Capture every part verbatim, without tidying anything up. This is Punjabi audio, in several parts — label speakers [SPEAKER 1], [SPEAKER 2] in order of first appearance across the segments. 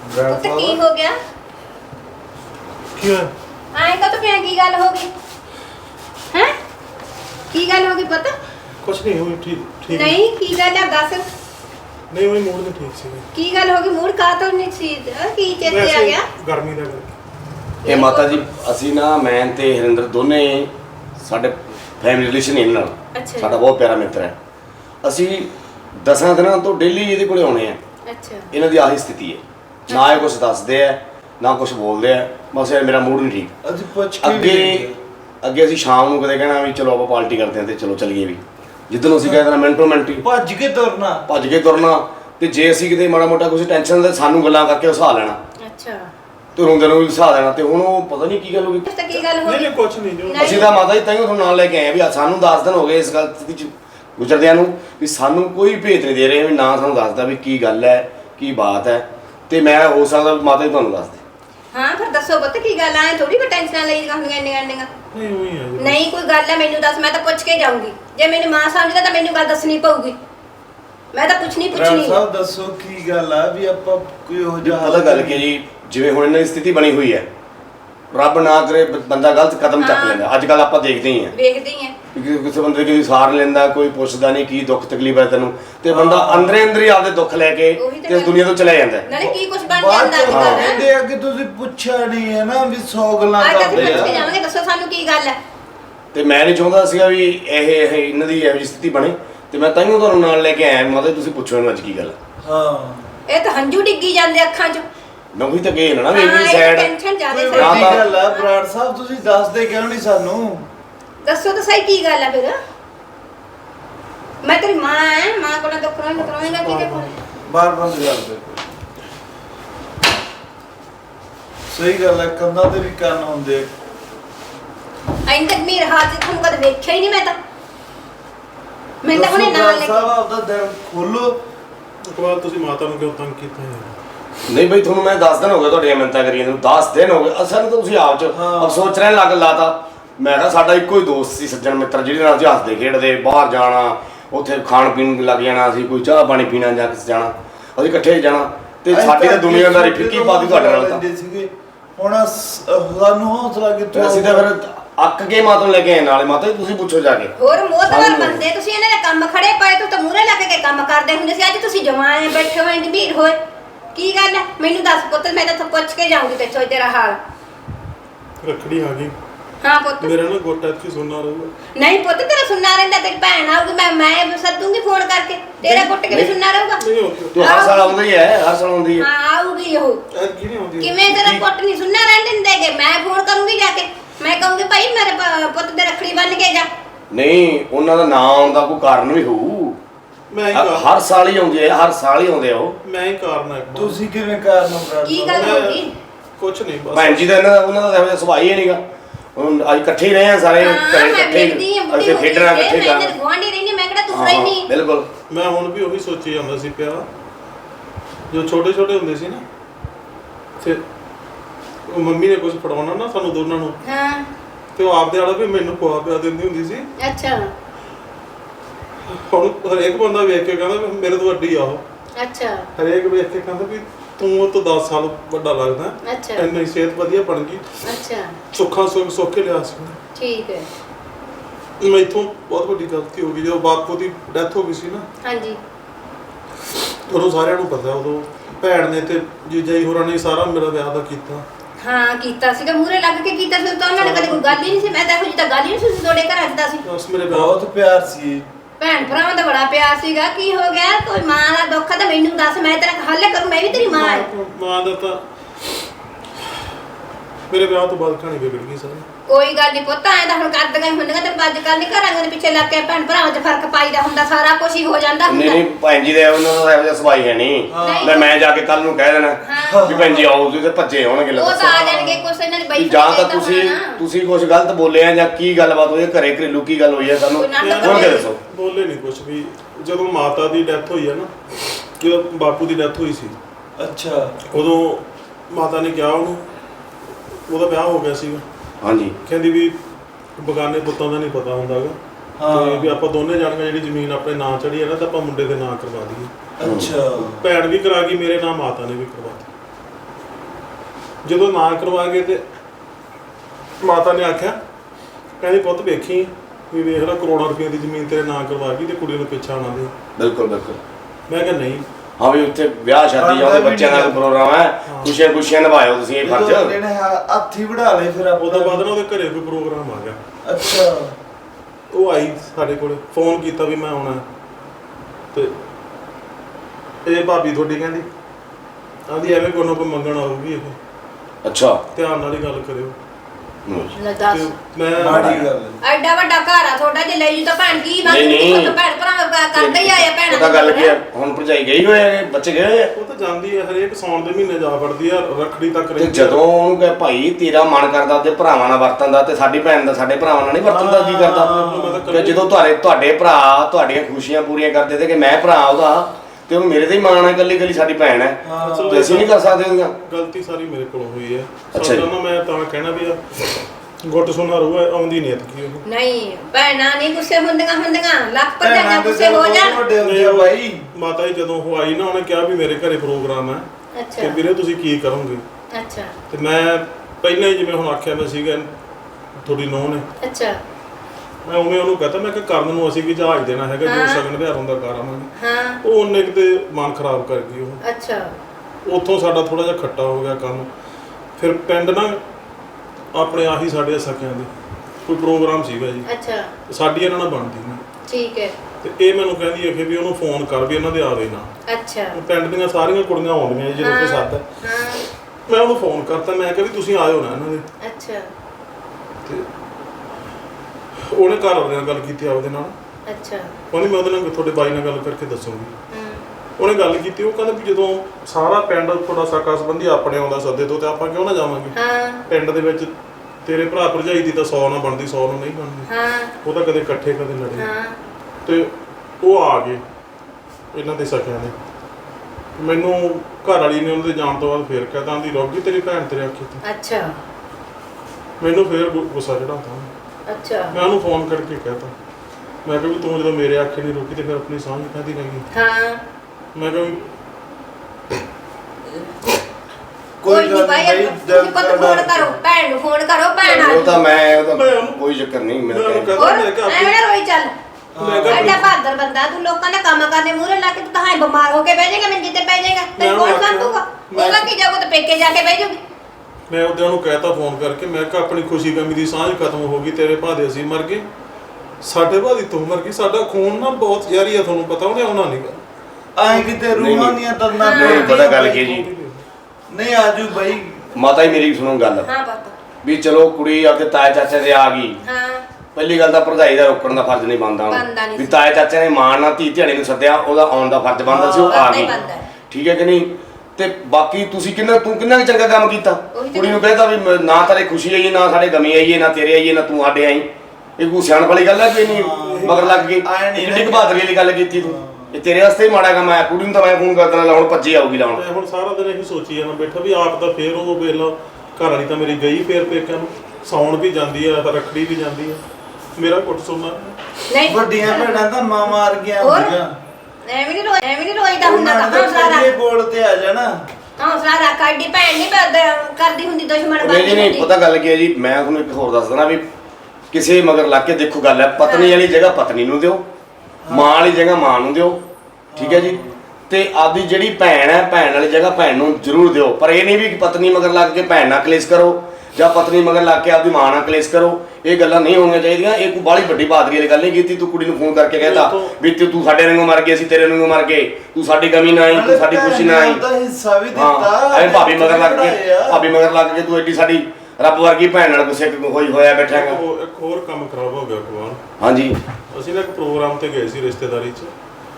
[SPEAKER 1] ਪੁੱਤ ਕੀ ਹੋ ਗਿਆ?
[SPEAKER 2] ਕੀ ਹੋਇਆ?
[SPEAKER 1] ਆਏ ਕਾ ਤਾਂ ਕੀ ਗੱਲ ਹੋ ਗਈ ਹੈ? ਕੀ ਗੱਲ ਹੋ ਗਈ ਪੁੱਤ?
[SPEAKER 2] ਕੁਛ ਨਹੀਂ ਹੋਈ। ਠੀਕ ਠੀਕ
[SPEAKER 1] ਨਹੀਂ ਕੀ ਗੱਲ ਹੈ ਦੱਸ।
[SPEAKER 2] ਨਹੀਂ ਹੋਈ, ਮੂਡ ਨਹੀਂ ਠੀਕ ਸੀ।
[SPEAKER 1] ਕੀ ਗੱਲ ਹੋ ਗਈ? ਮੂਡ ਕਾ ਤੋਂ ਨਹੀਂ ਸੀ? ਕੀ ਚੇਤੇ ਆ ਗਿਆ?
[SPEAKER 2] ਗਰਮੀ ਦਾ ਕਰਕੇ।
[SPEAKER 3] ਇਹ ਮਾਤਾ ਜੀ ਅਸੀਂ ਨਾ ਮੈਂ ਤੇ ਹਰਿੰਦਰ ਦੋਨੇ ਸਾਡੇ ਫੈਮਿਲੀ ਰਿਲੇਸ਼ਨ ਇਹਨਾਂ ਨਾਲ
[SPEAKER 1] ਅੱਛਾ
[SPEAKER 3] ਸਾਡਾ ਬਹੁਤ ਪਿਆਰਾ ਮਿੱਤਰ ਹੈ। ਅਸੀਂ ਦਸਾਂ ਦਿਨਾਂ ਤੋਂ ਡੇਲੀ ਇਹਦੇ ਕੋਲੇ ਆਉਣੇ ਆ।
[SPEAKER 1] ਅੱਛਾ
[SPEAKER 3] ਇਹਨਾਂ ਦੀ ਆਹੀ ਸਥਿਤੀ ਹੈ, ਨਾ ਇਹ ਕੁਝ ਦੱਸਦੇ ਆ ਨਾ ਕੁਝ ਬੋਲਦੇ ਆ। ਬਸ ਯਾਰ ਮੇਰਾ ਮੂਡ ਨਹੀਂ ਠੀਕ।
[SPEAKER 4] ਅੱਜ ਪੁੱਛ ਕੇ
[SPEAKER 3] ਅੱਗੇ ਅੱਗੇ ਅਸੀਂ ਸ਼ਾਮ ਨੂੰ ਕਦੇ ਕਹਿਣਾ ਵੀ ਚਲੋ ਆਪਾਂ ਪਾਰਟੀ ਕਰਦੇ ਹਾਂ ਤੇ ਚਲੋ ਚੱਲੀਏ ਵੀ। ਜਿੱਦਣ ਅਸੀਂ ਕਹਿ ਦੇਣਾ ਮਿੰਟੋ ਮਿੰਟ ਹੀ
[SPEAKER 4] ਭੱਜ ਕੇ ਤੁਰਨਾ
[SPEAKER 3] ਭੱਜ ਕੇ ਤੁਰਨਾ। ਤੇ ਜੇ ਅਸੀਂ ਕਿਤੇ ਮਾੜਾ ਮੋਟਾ ਕੁਝ ਟੈਨਸ਼ਨ ਤੇ ਸਾਨੂੰ ਗੱਲਾਂ ਕਰਕੇ ਹਸਾ ਲੈਣਾ
[SPEAKER 1] ਅੱਛਾ
[SPEAKER 3] ਤੇ ਰੋਂਦੇ ਨੂੰ ਵੀ ਹਸਾ ਦੇਣਾ। ਤੇ ਹੁਣ ਉਹ ਪਤਾ ਨਹੀਂ ਕੀ ਗੱਲ ਹੋ ਗਈ।
[SPEAKER 1] ਤਾਂ ਕੀ ਗੱਲ ਹੋ
[SPEAKER 2] ਨਹੀਂ
[SPEAKER 1] ਗਈ?
[SPEAKER 2] ਨਹੀਂ ਕੁਛ ਨਹੀਂ ਜੋ
[SPEAKER 1] ਨਹੀਂ।
[SPEAKER 3] ਅਸੀਂ ਤਾਂ ਮਾਤਾ ਜੀ ਤਾਈਓ ਤੁਹਾਨੂੰ ਨਾਲ ਲੈ ਕੇ ਆਏ ਆ ਵੀ ਸਾਨੂੰ ਦਸ ਦਿਨ ਹੋ ਗਏ ਇਸ ਗੱਲ ਚ ਗੁਜ਼ਰਦਿਆਂ ਨੂੰ ਵੀ ਸਾਨੂੰ ਕੋਈ ਭੇਤ ਨਹੀਂ ਦੇ ਰਹੇ ਵੀ ਨਾ ਸਾਨੂੰ ਦੱਸਦਾ ਵੀ ਕੀ ਗੱਲ ਹੈ ਕੀ ਬਾਤ ਹੈ। ਤੇ ਮੈਂ ਹੋ ਸਕਦਾ ਮਾਤਾ ਜੀ ਤੁਹਾਨੂੰ ਦੱਸ ਦੇ।
[SPEAKER 1] ਹਾਂ ਫਿਰ ਦੱਸੋ ਪੁੱਤ ਕੀ ਗੱਲ ਆਏ? ਥੋੜੀ ਕੋਈ ਟੈਨਸ਼ਨ ਲਈ ਜਾਂਦੀਆਂ ਇੰਨੀਆਂ ਇੰਨੀਆਂ।
[SPEAKER 2] ਨਹੀਂ ਹੋਈ ਹੈ ਜੀ।
[SPEAKER 1] ਨਹੀਂ ਕੋਈ ਗੱਲ ਹੈ ਮੈਨੂੰ ਦੱਸ, ਮੈਂ ਤਾਂ ਪੁੱਛ ਕੇ ਜਾਊਂਗੀ। ਜੇ ਮੈਨੂੰ ਮਾਂ ਸਮਝਦਾ ਤਾਂ ਮੈਨੂੰ ਗੱਲ ਦੱਸਣੀ ਪਊਗੀ। ਮੈਂ ਤਾਂ ਪੁੱਛਣੀ
[SPEAKER 4] ਰਾਜ
[SPEAKER 1] ਪੁੱਛਣੀ
[SPEAKER 4] ਸਾਹਿਬ ਦੱਸੋ ਕੀ ਗੱਲ ਆ ਵੀ ਆਪਾਂ ਕੋਈ ਉਹ ਜਿਹਾ
[SPEAKER 3] ਪਤਾ ਗੱਲ ਕੀ ਜੀ, ਜਿਵੇਂ ਹੁਣ ਇਹਨਾਂ ਦੀ ਸਥਿਤੀ ਬਣੀ ਹੋਈ ਹੈ, ਰੱਬ ਨਾ ਕਰੇ ਬ- ਬੰਦਾ ਗਲਤ ਕਦਮ ਚੱਕ
[SPEAKER 1] ਹਾਂ।
[SPEAKER 3] ਲੈਂਦਾ। ਅੱਜ ਕੱਲ ਆਪਾਂ ਦੇਖਦੇ ਹੀ ਹਾਂ
[SPEAKER 1] ਵੇਖਦੀ ਆ।
[SPEAKER 3] ਕਿ ਕਿਸੇ ਬੰਦੇ ਦੀ ਸਾਰ ਲੈਂਦਾ, ਕੋਈ ਪੁੱਛਦਾ ਨਹੀਂ ਕੀ ਦੁੱਖ ਤਕਲੀਫ ਹੈ ਤੈਨੂੰ, ਤੇ ਬੰਦਾ ਅੰਦਰੇ ਅੰਦਰ ਹੀ ਆਪਦੇ ਦੁੱਖ ਲੈ ਕੇ
[SPEAKER 1] ਉਹੀ ਤਾਂ
[SPEAKER 3] ਤੇ ਇਸ ਦੁਨੀਆ ਤੋਂ ਚਲਾ ਜਾਂਦਾ।
[SPEAKER 1] ਨਾਲੇ ਕੀ ਕੁਝ ਬਣ
[SPEAKER 4] ਬਾਅਦ
[SPEAKER 1] ਜਾਂਦਾ
[SPEAKER 4] ਚ
[SPEAKER 1] ਅੱਜ ਕੱਲ੍ਹ।
[SPEAKER 4] ਕਹਿੰਦੇ ਆ ਕਿ ਤੁਸੀਂ ਪੁੱਛਿਆ ਨਹੀਂ ਹੈ ਨਾ ਵੀ ਸੌ ਗੱਲਾਂ
[SPEAKER 1] ਅੱਜ ਅਸੀਂ
[SPEAKER 4] ਕਰਦੇ
[SPEAKER 1] ਪੁੱਛ ਕੇ
[SPEAKER 4] ਆ।
[SPEAKER 1] ਜਾਵਾਂਗੇ, ਦੱਸੋ ਸਾਨੂੰ ਕੀ ਗੱਲ ਹੈ?
[SPEAKER 3] ਤੇ ਮੈਂ ਨਹੀਂ ਚਾਹੁੰਦਾ ਸੀਗਾ ਵੀ ਇਹ ਇਹ ਇਹਨਾਂ ਦੀ ਇਹੋ ਜਿਹੀ ਸਥਿਤੀ ਬਣੇ। ਤੇ ਮੈਂ ਤਾਈਓ ਤੁਹਾਨੂੰ ਨਾਲ ਲੈ ਕੇ ਆਇਆ ਮਤਲਬ ਤੁਸੀਂ ਪੁੱਛੋ ਇਹਨੂੰ ਅੱਜ ਕੀ ਗੱਲ ਹੈ।
[SPEAKER 4] ਹਾਂ
[SPEAKER 1] ਇਹ ਤਾਂ ਹੰਝੂ ਡਿੱਗੀ ਜਾਂਦੇ ਅੱਖਾਂ 'ਚ।
[SPEAKER 3] ਮੈਂ ਉਹੀ ਤਾਂ ਕਹੇ ਨਾ ਵੀ
[SPEAKER 1] ਹਾਂ,
[SPEAKER 3] ਇੰਨੀ
[SPEAKER 1] ਇਹ
[SPEAKER 3] ਸੈਡ
[SPEAKER 1] ਟੈਨਸ਼ਨ ਜ਼ਿਆਦਾ
[SPEAKER 4] ਕੋਈ
[SPEAKER 1] ਸਰ।
[SPEAKER 3] ਹਾਂ।
[SPEAKER 4] ਵੱਡੀ ਗੱਲ ਆ ਬਰਾੜ ਸਾਹਿਬ, ਤੁਸੀਂ ਦੱਸਦੇ ਕਿਉਂ ਨਹੀਂ ਸਾਨੂੰ?
[SPEAKER 1] ਦੱਸੋ ਤਾਂ ਸਹੀ ਕੀ ਗੱਲ ਹੈ ਫਿਰ? ਮੈਂ ਤੇਰੀ ਮਾਂ ਐ, ਮਾਂ ਕੋਲ ਦੁੱਖ ਨਾ ਕਰਾਵੇਂਗਾ ਕਿਹਦੇ ਕੋਲ?
[SPEAKER 4] ਬਾਰ ਬੰਦ ਕਰ ਦੇ। ਸਹੀ ਗੱਲ ਹੈ, ਕੰਨਾਂ ਤੇ ਵੀ ਕੰਨ ਹੁੰਦੇ ਆ।
[SPEAKER 1] ਐਂ ਤੱਕ ਮੇਰੇ ਹੱਥ 'ਚ ਤੁਹਾਨੂੰ ਕਦੇ ਵੇਖਿਆ ਹੀ ਨਹੀਂ ਮੈਂ ਤਾਂ। ਮੈਂ ਤਾਂ ਹੁਣੇ
[SPEAKER 4] ਦੱਸੋ
[SPEAKER 1] ਨਾਲ
[SPEAKER 4] ਬਰਾੜ
[SPEAKER 1] ਲੈ
[SPEAKER 4] ਸਾਹਿਬ
[SPEAKER 1] ਕੇ
[SPEAKER 4] ਆਪਦਾ ਦਿਲ ਖੋਲੋ।
[SPEAKER 2] ਇਕਬਾਲ ਤੁਸੀਂ ਮਾਤਾ ਨੂੰ ਕਿਉਂ ਤੰਗ ਕੀਤਾ ਹੈ?
[SPEAKER 3] ਨਹੀਂ ਬਈ ਤੁਹਾਨੂੰ ਮੈਂ ਦਸ ਦਿਨ ਹੋ ਗਏ ਤੁਹਾਡੀਆਂ ਮਿੰਤਾਂ ਕਰੀਆਂ ਨੂੰ, ਦਸ ਦਿਨ ਹੋ ਗਏ। ਅਸਲ ਤਾਂ ਤੁਸੀਂ ਆਪ ਚ
[SPEAKER 4] ਹਾਂ।
[SPEAKER 3] ਅਫਸੋਸ ਰਹਿਣ ਲੱਗ ਲਾਤਾ। ਮੈਂ ਕਿਹਾ ਸਾਡਾ ਇੱਕੋ ਹੀ ਦੋਸਤ ਸੀ ਸੱਜਣ ਮਿੱਤਰ ਜਿਹਦੇ ਨਾਲ ਅਸੀਂ ਹੱਸਦੇ ਖੇਡਦੇ ਬਾਹਰ ਜਾਣਾ, ਉੱਥੇ ਖਾਣ ਪੀਣ ਲੱਗ ਜਾਣਾ, ਅਸੀਂ ਕੋਈ ਚਾਹ ਪਾਣੀ ਪੀਣਾ ਜਾਂ ਕਿਸੇ ਜਾਣਾ, ਅਸੀਂ ਇਕੱਠੇ ਜਾਣਾ। ਤੇ ਸਾਡੀ ਤਾਂ ਦੁਨੀਆਦਾਰੀ ਫਿੱਕੀ ਪਾਤੀ ਤੁਹਾਡੇ ਨਾਲ ਤਾਂ।
[SPEAKER 4] ਸੀਗੇ ਹੁਣ ਸ- ਸਾਨੂੰ ਹੌਸਲਾ
[SPEAKER 3] ਤੇ
[SPEAKER 4] ਕਿੱਥੋਂ?
[SPEAKER 3] ਅਸੀਂ ਤਾਂ ਫਿਰ ਅੱਕ ਕੇ ਮਾਤਾ ਨੂੰ ਲੈ ਕੇ ਆਏ ਨਾਲੇ। ਮਾਤਾ ਜੀ ਤੁਸੀਂ ਪੁੱਛੋ ਜਾ ਕੇ।
[SPEAKER 1] ਹੋਰ ਮੋਤਵਰ
[SPEAKER 3] ਸਾਨੂੰ-
[SPEAKER 1] ਬੰਦੇ ਤੁਸੀਂ, ਇਹਨਾਂ ਦੇ ਕੰਮ ਖੜੇ ਪਏ ਤੂੰ ਤਾਂ ਮੂਹਰੇ ਲੱਗ ਕੇ ਕੰਮ ਕਰਦੇ ਹੁੰਦੇ ਸੀ। ਅੱਜ ਤੁਸੀਂ ਜਵਾਨ ਐ, ਬੈਠੇ ਹੋਏ ਗੰਭੀਰ ਹੋਏ। ਕੀ ਗੱਲ ਹੈ ਮੈਨੂੰ ਦੱਸ ਪੁੱਤ, ਮੈਂ ਤਾਂ ਉੱਥੋਂ ਪੁੱਛ ਕੇ ਜਾਊਂਗੀ ਤੇਥੋਂ ਤੇਰਾ ਹਾਲ।
[SPEAKER 2] ਰੱਖੜੀ ਆ ਗਈ।
[SPEAKER 1] ਹਾਂ ਪੁੱਤ।
[SPEAKER 2] ਮੇਰਾ ਨਾ ਗੋਟਾ ਇੱਥੇ ਸੁਣਨਾ ਰਹੂਗਾ।
[SPEAKER 1] ਨਹੀਂ ਪੁੱਤ ਤੇਰਾ ਸੁਣਨਾ ਰਹਿੰਦਾ, ਤੇਰੀ ਭੈਣ ਆਊਗੀ, ਮੈਂ ਮੈਂ ਸੱਦੂਗੀ ਫੋਨ ਕਰਕੇ। ਤੇਰਾ ਗੁੱਟ ਕੇ ਵੀ
[SPEAKER 3] ਨਹੀਂ।
[SPEAKER 1] ਸੁਣਨਾ ਰਹੂਗਾ।
[SPEAKER 2] ਨਹੀਂ ਆਉਂਦੀ।
[SPEAKER 3] ਤੂੰ ਹਰ ਸਾਲ ਆਉਂਦੀ ਹੈ, ਹਰ ਸਾਲ ਆਉਂਦੀ ਹੈ।
[SPEAKER 1] ਹਾਂ ਆਊਗੀ ਉਹ।
[SPEAKER 2] ਐ ਕੀ ਨਹੀਂ ਆਉਂਦੀ?
[SPEAKER 1] ਕਿਵੇਂ ਤੇਰਾ ਪੁੱਤ ਨਹੀਂ ਸੁਣਨਾ ਰਹਿਣ ਦਿੰਦੇਗੇ? ਮੈਂ ਫੋਨ ਕਰੂੰਗੀ ਜਾ ਕੇ। ਮੈਂ ਕਹੂੰਗੀ ਭਾਈ ਮੇਰੇ ਪ- ਪੁੱਤ ਦੇ ਰੱਖੜੀ ਬੰਨ ਕੇ ਜਾ।
[SPEAKER 3] ਨਹੀਂ ਉਹਨਾਂ ਦਾ ਨਾਂ ਆਉਣ ਦਾ ਕੋਈ ਕਾਰਨ ਵੀ ਹੋਊ।
[SPEAKER 2] ਮੈਂ ਹੀ
[SPEAKER 3] ਹਰ
[SPEAKER 2] ਕਾਰਨ
[SPEAKER 3] ਹਰ ਸਾਲ ਹੀ ਆਉਂਦੇ ਆ, ਹਰ ਸਾਲ ਹੀ ਆਉਂਦੇ ਆ ਉਹ।
[SPEAKER 2] ਮੈਂ ਹੀ ਕਾਰਨ ਹੈ।
[SPEAKER 4] ਤੁਸੀਂ ਕਿਵੇਂ ਕਾਰਨ ਹੋ ਬਰਾੜ
[SPEAKER 1] ਕੀ
[SPEAKER 4] ਸਾਹਿਬ?
[SPEAKER 1] ਗੱਲ ਹੋ ਗਈ?
[SPEAKER 2] ਕੁਛ ਨਹੀਂ ਬਸ।
[SPEAKER 3] ਭੈਣ ਜੀ ਦਾ ਇਹਨਾਂ ਦਾ ਉਹਨਾਂ ਦਾ ਇਹੋ ਜਿਹਾ ਸੁਭਾਅ ਹੀ ਨਹੀਂਗਾ। ਹੁਣ ਅੱਜ ਇਕੱਠੇ ਹੀ ਰਹੇ ਆ ਸਾਰੇ
[SPEAKER 1] ਹਾਂ
[SPEAKER 3] ਘਰੇ
[SPEAKER 1] ਮੈਂ
[SPEAKER 3] ਇਕੱਠੇ
[SPEAKER 1] ਵੇਖਦੀ ਹਾਂ ਬੁੱਢੀ
[SPEAKER 3] ਇੱਥੇ
[SPEAKER 1] ਹੋ ਗਈ
[SPEAKER 3] ਖੇਡਣਾ
[SPEAKER 1] ਹੈ,
[SPEAKER 3] ਇਕੱਠੇ
[SPEAKER 1] ਮੈਂ
[SPEAKER 3] ਕਰਨਾ।
[SPEAKER 1] ਤੇਰੇ ਗੁਆਂਢੀ ਰਹਿੰਦੀ, ਮੈਂ ਕਿਹੜਾ ਤੂੰ
[SPEAKER 3] ਹਾਂ,
[SPEAKER 1] ਰਹਿੰਦੀ।
[SPEAKER 3] ਬਿਲਕੁਲ।
[SPEAKER 2] ਮੈਂ ਹੁਣ ਵੀ ਉਹੀ ਸੋਚੀ ਜਾਂਦਾ ਸੀ ਪਿਆ, ਜੋ ਛੋਟੇ ਛੋਟੇ ਹੁੰਦੇ ਸੀ ਨਾ, ਤੇ ਉਹ ਮੰਮੀ ਨੇ ਕੁਝ ਫੜਾਉਣਾ ਨਾ ਸਾਨੂੰ ਦੋਨਾਂ ਨੂੰ,
[SPEAKER 1] ਹਾਂ
[SPEAKER 2] ਤੇ ਉਹ ਆਪਦੇ ਵਾਲਾ ਵੀ ਮੈਨੂੰ ਖਵਾ ਪਿਆ ਦਿੰਦੀ ਹੁੰਦੀ ਸੀ।
[SPEAKER 1] ਅੱਛਾ
[SPEAKER 2] ਹੁਣ ਹਰੇਕ ਬੰਦਾ ਵੇਖ ਕੇ ਕਹਿੰਦਾ ਵੀ ਮੇਰੇ ਤੋਂ ਵੱਡੀ ਆ ਉਹ।
[SPEAKER 1] ਅੱਛਾ
[SPEAKER 2] ਹਰੇਕ ਵੇਖ ਕੇ ਕਹਿੰਦਾ ਵੀ ਤੂੰ ਉਹ ਤੋਂ ਦਸ ਸਾਲ ਵੱਡਾ ਲੱਗਦਾ।
[SPEAKER 1] ਅੱਛਾ
[SPEAKER 2] ਇੰਨੀ ਸਿਹਤ ਵਧੀਆ ਬਣ ਗਈ,
[SPEAKER 1] ਅੱਛਾ
[SPEAKER 2] ਸੁੱਖਾਂ ਸੁੱਖ ਸੋਖੇ ਲਿਆ ਸੀ।
[SPEAKER 1] ਠੀਕ ਹੈ।
[SPEAKER 2] ਮੈਥੋਂ ਬਹੁਤ ਵੱਡੀ ਗਲਤੀ ਹੋ ਗਈ ਜਦੋਂ ਬਾਪੂ ਦੀ ਡੈਥ ਹੋ ਗਈ ਸੀ ਨਾ।
[SPEAKER 1] ਹਾਂਜੀ
[SPEAKER 2] ਉਦੋਂ ਸਾਰਿਆਂ ਨੂੰ ਪਤਾ, ਉਦੋਂ ਭੈਣ ਨੇ ਤੇ ਜੀਜਾ ਜੀ ਹੋਰਾਂ ਨੇ ਸਾਰਾ ਮੇਰਾ ਵਿਆਹ ਦਾ ਕੀਤਾ।
[SPEAKER 1] ਹਾਂ ਕੀਤਾ ਸੀਗਾ, ਮੂਹਰੇ ਲੱਗ ਕੇ ਕੀਤਾ ਸੀ। ਤਾਂ ਉਹਨਾਂ ਨੇ ਕਦੇ ਕੋਈ ਗੱਲ ਹੀ ਨਹੀਂ ਸੀ। ਮੈਂ ਤਾਂ ਇਹੋ ਜਿਹੀ ਤਾਂ ਗੱਲ ਹੀ ਨਹੀਂ ਸੀ ਤੁਹਾਡੇ ਘਰ ਅੱਜ ਦਾ ਸੀ।
[SPEAKER 2] ਬਸ ਮੇਰੇ ਵਿਆਹ
[SPEAKER 4] ਬਹੁਤ ਪਿਆਰ ਸੀ।
[SPEAKER 1] ਭੈਣ ਭਰਾਵਾਂ ਦਾ ਬੜਾ ਪਿਆਰ ਸੀਗਾ। ਕੀ ਹੋ ਗਿਆ? ਕੋਈ ਮਾਂ ਦਾ ਦੁੱਖ ਆ ਤਾਂ ਮੈਨੂੰ ਦੱਸ, ਮੈਂ ਤੇਰਾ ਹੱਲ ਕਰੂੰ। ਮੈਂ ਵੀ ਤੇਰੀ ਮਾਂ ਹਾਂ।
[SPEAKER 2] ਮਾਂ ਦਾ ਤਾਂ ਮੇਰੇ ਵਿਆਹ ਤੋਂ ਬਾਅਦ ਕਹਾਣੀ ਵਿਗੜ ਗਈ ਸਾਰੀ।
[SPEAKER 1] ਕੋਈ ਗੱਲ ਨਹੀਂ ਪੁੱਤ, ਐਂ ਤਾਂ ਹੁਣ ਕਰਦੀਆਂ ਹੀ ਹੁੰਦੀਆਂ। ਤੇ ਅੱਜ ਕੱਲ੍ਹ ਨਹੀਂ ਘਰਾਂ ਦੇ ਪਿੱਛੇ ਲੱਗ ਕੇ ਭੈਣ ਭਰਾਵਾਂ 'ਚ ਫਰਕ ਪਾਈਦਾ ਹੁੰਦਾ। ਸਾਰਾ ਕੁਝ ਹੀ ਹੋ ਜਾਂਦਾ
[SPEAKER 3] ਨਹੀਂ
[SPEAKER 1] ਹੁੰਦਾ।
[SPEAKER 3] ਨਹੀਂ ਭੈਣ ਜੀ ਦੇ ਉਹਨਾਂ ਦਾ ਇਹੋ ਜਿਹਾ ਸੁਭਾਅ ਹੈ ਨਹੀਂ।
[SPEAKER 1] ਹਾਂ।
[SPEAKER 3] ਮੈਂ ਮੈਂ ਜਾ ਕੇ ਕੱਲ ਨੂੰ ਕਹਿ ਦੇਣਾ
[SPEAKER 1] ਹਾਂ।
[SPEAKER 3] ਵੀ ਭੈਣ ਜੀ ਆਓ, ਤੁਸੀਂ ਤੇ ਭੱਜੇ ਹੋਣਗੇ
[SPEAKER 1] ਉਹ
[SPEAKER 3] ਲੋਕ।
[SPEAKER 1] ਤਾਂ ਆ ਜਾਣਗੇ ਕੁਛ ਇਹਨਾਂ ਦੀ
[SPEAKER 3] ਵੀ
[SPEAKER 1] ਬਈ
[SPEAKER 3] ਜਾਂ ਤਾਂ ਤੁਸੀਂ ਤੁਸੀਂ ਕੁਝ ਗਲਤ ਬੋਲੇ ਆ ਜਾਂ ਕੀ ਗੱਲਬਾਤ ਹੋਈ ਹੈ ਘਰੇ, ਘਰੇਲੂ ਕੀ ਗੱਲ ਹੋਈ ਹੈ ਸਾਨੂੰ
[SPEAKER 1] ਕੋਈ ਨਾਟਕ
[SPEAKER 3] ਖੋਲ ਕੇ ਦੱਸੋ।
[SPEAKER 2] ਬੋਲੇ ਨਹੀਂ ਕੁਝ ਵੀ। ਜਦੋਂ ਮਾਤਾ ਦੀ ਡੈਥ ਹੋਈ ਹੈ ਨਾ, ਜਦੋਂ ਬਾਪੂ ਦੀ ਡੈਥ ਹੋਈ ਸੀ,
[SPEAKER 4] ਅੱਛਾ
[SPEAKER 2] ਉਦੋਂ ਮਾਤਾ ਨੇ ਕਿਹਾ ਉਹਨੂੰ, ਉਹਦਾ ਵਿਆਹ ਹੋ ਗਿਆ ਸੀਗਾ।
[SPEAKER 3] ਹਾਂਜੀ
[SPEAKER 2] ਕਹਿੰਦੀ ਵੀ ਬਗਾਨੇ ਪੁੱਤਾਂ ਦਾ ਨਹੀਂ ਪਤਾ ਹੁੰਦਾਗਾ, ਤੇ ਵੀ ਆਪਾਂ ਦੋਨੇ ਜਾਣੀਆਂ ਜਿਹੜੀ ਜ਼ਮੀਨ ਆਪਣੇ ਨਾਂ ਚੜੀ ਹੈ ਨਾ, ਤਾਂ ਆਪਾਂ ਮੁੰਡੇ ਦੇ ਨਾਂ ਕਰਵਾ ਦਈਏ।
[SPEAKER 4] ਅੱਛਾ
[SPEAKER 2] ਭੈਣ ਵੀ ਕਰਾ ਗਈ ਮੇਰੇ ਨਾਂ, ਮਾਤਾ ਨੇ ਵੀ ਕਰਵਾ ਦਿੱਤੀ। ਜਦੋਂ ਨਾ ਕਰਵਾ ਕੇ ਤੇ ਮਾਤਾ ਨੇ ਆਖਿਆ ਕਹਿੰਦੀ ਪੁੱਤ ਵੇਖੀ ਵੀ ਵੇਖ ਲੈ ਕਰੋੜਾਂ ਰੁਪਏ ਦੀ ਜ਼ਮੀਨ ਤੇਰੇ ਨਾਂ ਕਰਵਾ ਗਈ ਤੇ ਕੁੜੀ ਨੂੰ ਪਿੱਛਾ ਨਾ ਦੇ।
[SPEAKER 3] ਬਿਲਕੁਲ ਬਿਲਕੁਲ।
[SPEAKER 2] ਮੈਂ ਕਿਹਾ ਨਹੀਂ।
[SPEAKER 3] ਹਾਂ ਵੀ ਉੱਥੇ ਵਿਆਹ ਸ਼ਾਦੀ ਆ, ਉਹਦੇ ਬੱਚਿਆਂ ਦਾ ਪ੍ਰੋਗਰਾਮ ਹੈ, ਖੁਸ਼ੀਆਂ ਖੁਸ਼ੀਆਂ ਨਿਭਾਇਓ ਤੁਸੀਂ ਇਹ ਫਰਜ਼।
[SPEAKER 4] ਅਗਲੇ ਨੇ ਹੱਥ ਹੀ ਵੜਾ ਲਏ ਫਿਰ
[SPEAKER 2] ਉਹ ਤੋਂ ਬਾਅਦ ਨਾ ਉਹਦੇ ਘਰੇ ਕੋਈ ਪ੍ਰੋਗਰਾਮ ਆ ਗਿਆ।
[SPEAKER 4] ਅੱਛਾ।
[SPEAKER 2] ਉਹ ਆਈ ਸਾਡੇ ਕੋਲ, ਫੋਨ ਕੀਤਾ ਵੀ ਮੈਂ ਆਉਣਾ ਤੇ ਇਹ ਭਾਬੀ ਤੁਹਾਡੀ ਕਹਿੰਦੀ ਆਂਦੀ ਐਵੇਂ ਕੋਈ ਨਾ ਕੋਈ ਮੰਗਣ ਆਊਗੀ ਇਹ।
[SPEAKER 3] ਅੱਛਾ।
[SPEAKER 2] ਧਿਆਨ ਨਾਲ ਹੀ ਗੱਲ ਕਰਿਓ।
[SPEAKER 1] ਲੈ ਦੱਸ
[SPEAKER 2] ਤੇ ਮੈਂ
[SPEAKER 4] ਮਾੜੀ ਗੱਲ ਹੈ।
[SPEAKER 1] ਐਡਾ ਵੱਡਾ ਘਰ ਆ ਤੁਹਾਡਾ, ਜੇ ਲਈ ਤਾਂ ਭੈਣ ਕੀ ਮੰਗਦੀ
[SPEAKER 3] ਨਹੀਂ,
[SPEAKER 1] ਕੋਈ ਭੈਣ ਭਰਾ ਕਰਦੇ ਹੀ ਆਇਆ ਭੈਣਾਂ
[SPEAKER 3] ਉਹਦਾ ਗੱਲ ਕੀ ਹੈ, ਹੁਣ ਭਰਜਾਈ ਗਈ ਹੋਏ ਆ, ਬੱਚੇ ਗਏ ਹੋਏ ਆ।
[SPEAKER 2] ਉਹ ਤਾਂ ਜਾਂਦੀ ਹੈ ਹਰੇਕ ਸੌਣ ਦੇ ਮਹੀਨੇ ਜਾ ਵੜਦੀ ਆ, ਰੱਖੜੀ ਤੱਕ
[SPEAKER 3] ਤੇ
[SPEAKER 2] ਰਹਿੰਦੀ ਆ।
[SPEAKER 3] ਜਦੋਂ ਉਹਨੂੰ ਕਹੇ ਭਾਈ ਤੇਰਾ ਮਨ ਕਰਦਾ ਤੇ ਭਰਾਵਾਂ ਨਾਲ ਵਰਤਨ ਦਾ ਤੇ ਸਾਡੀ ਭੈਣ ਦਾ ਸਾਡੇ ਭਰਾਵਾਂ ਨਾਲ ਨਹੀਂ ਵਰਤਨ ਦਾ, ਕੀ ਕਰਦਾ? ਤੇ ਜਦੋਂ ਤੁਹਾਡੇ ਤੁਹਾਡੇ ਭਰਾ ਤੁਹਾਡੀਆਂ ਖੁਸ਼ੀਆਂ ਪੂਰੀਆਂ ਕਰਦੇ ਤੇ ਕਿ ਮੈਂ ਭਰਾ ਉਹਦਾ, ਤੇ ਉਹਨੂੰ ਮੇਰੇ ਤੇ ਹੀ ਮਾਣ ਹੈ, ਇਕੱਲੀ ਇਕੱਲੀ ਸਾਡੀ ਭੈਣ ਹੈ, ਤੇ ਅਸੀਂ ਨਹੀਂ ਕਰ ਸਕਦੇ ਉਹਦੀਆਂ।
[SPEAKER 2] ਗਲਤੀ ਸਾਰੀ ਮੇਰੇ ਕੋਲੋਂ ਹੋਈ ਹੈ।
[SPEAKER 3] ਅੱਛਾ ਜੀ।
[SPEAKER 2] ਸਾਡਾ ਨਾ ਮੈਂ ਤਾਂ ਕਹਿਣਾ ਵੀ ਆ ਗੁੱਟ ਸੁਣਾ ਰੂ ਆਉਂਦੀ ਨਹੀਂ ਇਤਕੀ ਉਹ।
[SPEAKER 1] ਨਹੀਂ ਭੈਣਾਂ ਨਹੀਂ ਗੁੱਸੇ ਹੁੰਦੀਆਂ ਹੁੰਦੀਆਂ, ਲੱਖ
[SPEAKER 4] ਭੈਣਾਂ
[SPEAKER 1] ਭਰਜਾਈਆਂ
[SPEAKER 4] ਦੇ
[SPEAKER 1] ਗੁੱਸੇ ਹੋ ਜਾਣ।
[SPEAKER 4] ਵੱਡੇ ਹੁੰਦੇ ਆ ਬਾਈ।
[SPEAKER 2] ਮਾਤਾ ਜੀ ਜਦੋਂ ਉਹ ਆਈ ਨਾ, ਉਹਨੇ ਕਿਹਾ ਵੀ ਮੇਰੇ ਘਰੇ ਪ੍ਰੋਗਰਾਮ ਹੈ
[SPEAKER 1] ਅੱਛਾ
[SPEAKER 2] ਤੇ ਵੀਰੇ ਤੁਸੀਂ ਕੀ ਕਰੋਗੇ?
[SPEAKER 1] ਅੱਛਾ
[SPEAKER 2] ਤੇ ਮੈਂ ਪਹਿਲਾਂ ਹੀ ਜਿਵੇਂ ਹੁਣ ਆਖਿਆ ਮੈਂ ਸੀਗਾ ਤੁਹਾਡੀ ਨੂੰਹ ਨੇ,
[SPEAKER 1] ਅੱਛਾ
[SPEAKER 2] ਮੈਂ ਉਵੇਂ ਉਹਨੂੰ ਕਹਤਾ ਮੈਂ ਕਿ ਕਰਨ ਨੂੰ ਅਸੀਂ ਕੀ ਜਹਾਜ਼ ਦੇਣਾ ਹੈਗਾ, ਜੋ
[SPEAKER 1] ਹਾਂ।
[SPEAKER 2] ਸ਼ਗਨ ਵਿਹਾਰ ਹੁੰਦਾ ਕਰ ਆਵਾਂਗੇ।
[SPEAKER 1] ਹਾਂ
[SPEAKER 2] ਉਹ ਉਹਨੇ ਕਿਤੇ ਮਨ ਖਰਾਬ ਕਰ ਗਈ ਉਹ।
[SPEAKER 1] ਅੱਛਾ
[SPEAKER 2] ਉੱਥੋਂ ਸਾਡਾ ਥੋੜਾ ਜਿਹਾ ਖੱਟਾ ਹੋ ਗਿਆ ਕੰਮ। ਫਿਰ ਪਿੰਡ ਨਾ ਆਪਣੇ ਆਹੀ ਸਾਡੇ ਸਕਿਆਂ ਦੇ ਕੋਈ ਪ੍ਰੋਗਰਾਮ ਸੀਗਾ ਜੀ,
[SPEAKER 1] ਅੱਛਾ
[SPEAKER 2] ਸਾਡੀ ਇਹਨਾਂ ਨਾਲ ਬਣਦੀ ਨਹੀਂ।
[SPEAKER 1] ਠੀਕ ਹੈ।
[SPEAKER 2] ਤੇ ਇਹ ਮੈਨੂੰ ਕਹਿੰਦੀ ਹੈ ਕਿ ਵੀ ਉਹਨੂੰ ਫੋਨ ਕਰ ਵੀ ਇਹਨਾਂ ਦੇ ਆਵੇ ਨਾ।
[SPEAKER 1] ਅੱਛਾ
[SPEAKER 2] ਪਿੰਡ ਦੀਆਂ ਸਾਰੀਆਂ ਕੁੜੀਆਂ ਆਉਂਦੀਆਂ ਜਦੋਂ ਕੋਈ ਸੱਦ।
[SPEAKER 1] ਹਾਂ
[SPEAKER 2] ਮੈਂ ਉਹਨੂੰ ਫੋਨ ਕਰਤਾ, ਮੈਂ ਕਿਹਾ ਵੀ ਤੁਸੀਂ ਆਇਓ ਨਾ ਇਹਨਾਂ ਦੇ।
[SPEAKER 1] ਅੱਛਾ
[SPEAKER 2] ਤੇ ਉਹਨੇ ਘਰ ਵਾਲੇ ਨਾਲ ਗੱਲ ਕੀਤੀ ਆਪਦੇ ਨਾਲ,
[SPEAKER 1] ਅੱਛਾ
[SPEAKER 2] ਕਹਿੰਦੀ ਮੈਂ ਉਹਦੇ ਨਾਲ ਤੁਹਾਡੇ ਬਾਈ ਨਾਲ ਗੱਲ ਕਰਕੇ ਦੱਸੂਗੀ।
[SPEAKER 1] ਹੂੰ
[SPEAKER 2] ਉਹਨੇ ਗੱਲ ਕੀਤੀ, ਉਹ ਕਹਿੰਦਾ ਵੀ ਜਦੋਂ ਸਾਰਾ ਪਿੰਡ ਤੁਹਾਡਾ ਸਾਕਾ ਸੰਬੰਧੀ ਆਪਣੇ ਆਉਂਦਾ ਸੱਦੇ ਤੋਂ, ਤੇ ਆਪਾਂ ਕਿਉਂ ਨਾ ਜਾਵਾਂਗੇ?
[SPEAKER 1] ਹਾਂ
[SPEAKER 2] ਪਿੰਡ ਦੇ ਵਿੱਚ ਤੇਰੇ ਭਰਾ ਭਰਜਾਈ ਦੀ ਤਾਂ ਸੌ ਨਾ ਬਣਦੀ, ਸੌ ਨੂੰ ਨਹੀਂ ਬਣਦੀ।
[SPEAKER 1] ਹਾਂ
[SPEAKER 2] ਉਹ ਤਾਂ ਕਦੇ ਇਕੱਠੇ ਕਦੇ ਲੜੇ।
[SPEAKER 1] ਹਾਂ
[SPEAKER 2] ਤੇ ਉਹ ਆ ਗਏ ਇਹਨਾਂ ਦੇ ਸਕਿਆਂ ਦੇ। ਮੈਨੂੰ ਘਰ ਵਾਲੀ ਨੇ ਉਹਨਾਂ ਦੇ ਜਾਣ ਤੋਂ ਬਾਅਦ ਫੇਰ ਕਹਤਾ ਆਂਦੀ ਰੋਗੀ ਤੇਰੀ ਭੈਣ ਤੇਰੇ ਆਖੇ ਤੇ।
[SPEAKER 1] ਅੱਛਾ
[SPEAKER 2] ਮੈਨੂੰ ਫੇਰ ਗੁ- ਗੁੱਸਾ ਚੜਾਤਾ।
[SPEAKER 1] ਅੱਛਾ
[SPEAKER 2] ਮੈਂ ਉਹਨੂੰ ਫੋਨ ਕਰਕੇ ਕਹਤਾ, ਮੈਂ ਕਿਹਾ ਵੀ ਤੂੰ ਜਦੋਂ ਮੇਰੇ ਆਖੇ ਨਹੀਂ ਰੋਕੀ ਤੇ ਫਿਰ ਆਪਣੀ ਸਾਂਝ ਕਾਹਦੀ ਰਹਿ ਗਈ?
[SPEAKER 1] ਹਾਂ
[SPEAKER 2] ਮੈਂ ਕਿਹਾ ਵੀ
[SPEAKER 1] ਕੋਈ ਨਹੀਂ ਬਾਈ, ਤੁਸੀਂ ਪੁੱਤ ਫੋਨ ਕਰੋ ਭੈਣ ਨੂੰ, ਫੋਨ ਕਰੋ ਭੈਣ ਆ
[SPEAKER 3] ਉਹ ਤਾਂ ਮੈਂ ਉਹਦਾ
[SPEAKER 2] ਮੈਂ ਉਹਨੂੰ-
[SPEAKER 3] ਕੋਈ ਚੱਕਰ ਨਹੀਂ
[SPEAKER 2] ਮੈਂ
[SPEAKER 3] ਮੇਰਾ
[SPEAKER 2] ਉਹਨੂੰ
[SPEAKER 3] ਕਹਿਣ।
[SPEAKER 1] ਹੋਰ
[SPEAKER 2] ਕਹਤਾ, ਮੈਂ ਕਿਹਾ
[SPEAKER 1] ਐਵੇਂ ਨਾ ਰੋਈ ਚੱਲ।
[SPEAKER 2] ਮੈਂ ਕਿਹਾ
[SPEAKER 1] ਐਡਾ
[SPEAKER 2] ਵੀ-
[SPEAKER 1] ਬਹਾਦਰ ਬੰਦਾ ਤੂੰ, ਲੋਕਾਂ ਦਾ ਕੰਮ ਕਰਨੇ ਮੂਹਰੇ ਲਾ ਕੇ ਤੂੰ ਤਾਂ ਹਾਂ ਬਿਮਾਰ ਹੋ ਕੇ ਬਹਿ ਜਾਏਗਾ, ਮੈਂ ਜਿੱਤੇ ਪੈ ਜਾਏਗਾ,
[SPEAKER 2] ਮੈਂ
[SPEAKER 1] ਤੈਨੂੰ ਕੌਣ
[SPEAKER 2] ਉਹਨੂੰ
[SPEAKER 1] ਸੰਭੂਗਾ?
[SPEAKER 2] ਮੈਂ-
[SPEAKER 1] ਉਹਦਾ ਕੀ ਜਾਊਗਾ ਤੇ ਪੇਕੇ ਜਾ ਕੇ ਬਹਿ ਜਾਊਗੀ।
[SPEAKER 2] ਮੈਂ ਉਹਦੇ ਨੂੰ ਕਹਿਤਾ ਫੋਨ ਕਰਕੇ, ਮੈਂ ਕਿਹਾ ਆਪਣੀ ਖੁਸ਼ੀ ਗਮੀ ਦੀ ਸਾਂਝ ਖਤਮ ਹੋ ਗਈ, ਤੇਰੇ ਭਾਦੇ ਅਸੀਂ ਮਰ ਗਏ, ਸਾਡੇ ਭਾਦੀ ਤੂੰ ਮਰ ਗਈ, ਸਾਡਾ ਖੂਨ ਨਾ ਬਹੁਤ ਯਾਰੀ ਆ, ਤੁਹਾਨੂੰ ਪਤਾ ਉਹਨੇ ਆਉਣਾ ਨਹੀਂਗਾ।
[SPEAKER 4] ਆਏ ਕਿਤੇ ਰੂਹਾਂ ਦੀਆਂ ਤੰਦਾਂ
[SPEAKER 3] ਨਹੀਂ ਪਤਾ ਗੱਲ ਕੀ ਜੀ,
[SPEAKER 4] ਨਹੀਂ ਆਜੂ ਬਾਈ।
[SPEAKER 3] ਮਾਤਾ ਜੀ ਮੇਰੀ ਸੁਣੋ ਗੱਲ
[SPEAKER 1] ਹਾਂ ਪੁੱਤ
[SPEAKER 3] ਵੀ ਚਲੋ ਕੁੜੀ ਆਪਦੇ ਤਾਏ ਚਾਚੇ ਦੇ ਆ ਗਈ,
[SPEAKER 1] ਹਾਂ
[SPEAKER 3] ਪਹਿਲੀ ਗੱਲ ਤਾਂ ਭਰਜਾਈ ਦਾ ਰੋਕਣ ਦਾ ਫਰਜ਼ ਨਹੀਂ ਬਣਦਾ
[SPEAKER 1] ਬਣਦਾ
[SPEAKER 3] ਹੁਣ
[SPEAKER 1] ਨਹੀਂ
[SPEAKER 3] ਵੀ
[SPEAKER 1] ਸੀ।
[SPEAKER 3] ਤਾਏ ਚਾਚੇ ਨੇ ਮਾਂ ਨਾਲ ਧੀ ਧਿਆਣੀ ਨੂੰ ਸੱਦਿਆ, ਉਹਦਾ ਆਉਣ ਦਾ ਫਰਜ਼ ਬਣਦਾ ਸੀ, ਉਹ ਆ
[SPEAKER 1] ਬਣਦਾ ਹੀ
[SPEAKER 3] ਗਈ।
[SPEAKER 1] ਬਣਦਾ ਹੈ।
[SPEAKER 3] ਠੀਕ ਹੈ ਕਿ ਨਹੀਂ? ਤੇ ਬਾਕੀ ਤੁਸੀਂ ਕਿੰਨਾ ਤੂੰ ਕਿੰਨਾ ਕੁ ਚੰਗਾ ਕੰਮ ਕੀਤਾ,
[SPEAKER 1] ਉਹੀ ਤਾਂ
[SPEAKER 3] ਕੁੜੀ ਨੂੰ ਕਹਿੰਦਾ ਵੀ ਮ- ਨਾ ਤੇਰੇ ਖੁਸ਼ੀ ਆਈ ਨਾ ਸਾਡੇ ਗਮੀ ਆਈਏ, ਨਾ ਤੇਰੇ ਆਈਏ ਨਾ ਤੂੰ ਸਾਡੇ ਆਈ। ਇਹ ਕੋਈ ਸਿਆਣਪ ਵਾਲੀ ਗੱਲ ਹੈ ਕੋਈ ਨਹੀਂ ਮਗਰ ਲੱਗ ਗਈ,
[SPEAKER 4] ਆਏ ਨਹੀਂ
[SPEAKER 3] ਕਿੰਨੀ ਕੁ ਬਹਾਦਰੀ ਵਾਲੀ ਗੱਲ ਕੀਤੀ ਤੂੰ। ਇਹ ਤੇਰੇ ਵਾਸਤੇ ਹੀ ਮਾੜਾ ਕੰਮ ਆਇਆ, ਕੁੜੀ ਨੂੰ ਤਾਂ ਮੈਂ ਫੋਨ ਕਰ ਦੇਣਾ ਲਾਉਣ ਭੱਜੀ ਆਊਗੀ ਲਾਉਣ।
[SPEAKER 2] ਮੈਂ ਹੁਣ ਸਾਰਾ ਦਿਨ ਇਹੀ ਸੋਚੀ ਜਾਂਦਾ ਬੈਠਾ ਵੀ ਆਪ ਤਾਂ ਫੇਰ ਉਹ ਵੇਲਾ ਘਰ ਵਾਲੀ ਤਾਂ ਮੇਰੀ ਗਈ ਫੇਰ ਪੇਕਿਆਂ ਨੂੰ, ਸੌਣ ਵੀ ਜਾਂਦੀ ਆ, ਰੱਖੜੀ ਵੀ ਜਾਂਦੀ ਆ, ਮੇਰਾ ਕੁੱਟ ਸੁਣਨਾ।
[SPEAKER 1] ਨਹੀਂ
[SPEAKER 4] ਵੱਡੀਆਂ ਭੈਣਾਂ ਤਾਂ ਮਾਂ ਮਾਰ ਗਿਆ
[SPEAKER 1] ਹੋਰ?
[SPEAKER 4] ਹੁੰਦੀਆਂ।
[SPEAKER 1] ਐਵੇਂ ਨਹੀਂ ਰੋਈ, ਐਵੇਂ ਨਹੀਂ ਰੋਈਦਾ ਹੁੰਦਾ
[SPEAKER 4] ਉਹਨਾਂ
[SPEAKER 1] ਤਾਂ
[SPEAKER 4] ਨੇ
[SPEAKER 1] ਹੌਸਲਾ
[SPEAKER 4] ਤਾਂ
[SPEAKER 1] ਰੱਖ,
[SPEAKER 4] ਕੋਲ ਤੇ ਆ ਜਾਣਾ।
[SPEAKER 1] ਹੌਸਲਾ ਰੱਖ। ਅੱਡੀ ਭੈਣ ਨਹੀਂ ਕਰਦੀ ਹੁੰਦੀ, ਦੁਸ਼ਮਣ
[SPEAKER 3] ਨਹੀਂ
[SPEAKER 1] ਬਣਦੀ
[SPEAKER 3] ਜੀ ਨਹੀਂ
[SPEAKER 1] ਹੁੰਦੀ।
[SPEAKER 3] ਪਤਾ ਗੱਲ ਕੀ ਹੈ ਜੀ, ਮੈਂ ਤੁਹਾਨੂੰ ਇੱਕ ਹੋਰ ਦੱਸ ਦਣਾ ਵੀ ਕਿਸੇ ਮਗਰ ਲੱਗ ਕੇ ਦੇਖੋ ਗੱਲ ਹੈ, ਪਤਨੀ ਵਾਲੀ ਜਗ੍ਹਾ ਪਤਨੀ ਨੂੰ ਦਿਓ, ਮਾਂ ਵਾਲੀ ਜਗ੍ਹਾ ਮਾਂ ਨੂੰ ਦਿਓ, ਠੀਕ ਹੈ ਜੀ। ਤੇ ਆਪਦੀ ਜਿਹੜੀ ਭੈਣ ਹੈ ਭੈਣ ਵਾਲੀ ਜਗ੍ਹਾ ਭੈਣ ਨੂੰ ਜ਼ਰੂਰ ਦਿਓ, ਪਰ ਇਹ ਨਹੀਂ ਵੀ ਪਤਨੀ ਮਗਰ ਲੱਗ ਕੇ ਭੈਣ ਨਾਲ ਕਲੇਸ਼ ਕਰੋ ਜਾਂ ਪਤਨੀ ਮਗਰ ਲੱਗ ਕੇ ਆਪਦੀ ਮਾਂ ਨਾਲ ਕਲੇਸ਼ ਕਰੋ। ਇਹ ਗੱਲਾਂ ਨਹੀਂ ਹੋਣੀਆਂ ਚਾਹੀਦੀਆਂ। ਇਹ ਕੋਈ ਬਾਹਲੀ ਵੱਡੀ ਬਹਾਦਰੀ ਵਾਲੀ ਗੱਲ ਨਹੀਂ ਕੀਤੀ। ਤੂੰ ਕੁੜੀ ਨੂੰ ਫੋਨ ਕਰਕੇ ਕਹਿਤਾ ਵੀ ਤੂੰ ਤੂੰ ਸਾਡੇ ਵਾਂਗੂ ਮਰ ਗਈ, ਅਸੀਂ ਤੇਰੇ ਵਾਂਗੂ ਮਰ ਗਏ, ਤੂੰ ਸਾਡੀ ਕਮੀ ਨਾ ਆਈ, ਤੂੰ ਸਾਡੀ ਖੁਸ਼ੀ ਨਾ ਆਈ।
[SPEAKER 4] ਉਹਦਾ ਹਿੱਸਾ ਵੀ
[SPEAKER 3] ਹਾਂ
[SPEAKER 4] ਦਿੱਤਾ।
[SPEAKER 3] ਐਵੇਂ ਭਾਬੀ ਮਗਰ ਲੱਗ ਕੇ ਭਾਬੀ ਮਗਰ ਲੱਗ ਕੇ ਤੂੰ ਐਡੀ ਸਾਡੀ ਰੱਬ ਵਰਗੀ ਭੈਣ ਨਾਲ ਗੁੱਸੇ ਹੋਈ ਹੋਇਆ ਬੈਠਾ ਹੈਗਾ।
[SPEAKER 2] ਉਹ ਇੱਕ ਹੋਰ ਕੰਮ ਖਰਾਬ ਹੋ ਗਿਆ ਕੁਮਾਰ।
[SPEAKER 3] ਹਾਂਜੀ
[SPEAKER 2] ਅਸੀਂ ਨਾ ਇੱਕ ਪ੍ਰੋਗਰਾਮ ਤੇ ਗਏ ਸੀ ਰਿਸ਼ਤੇਦਾਰੀ 'ਚ,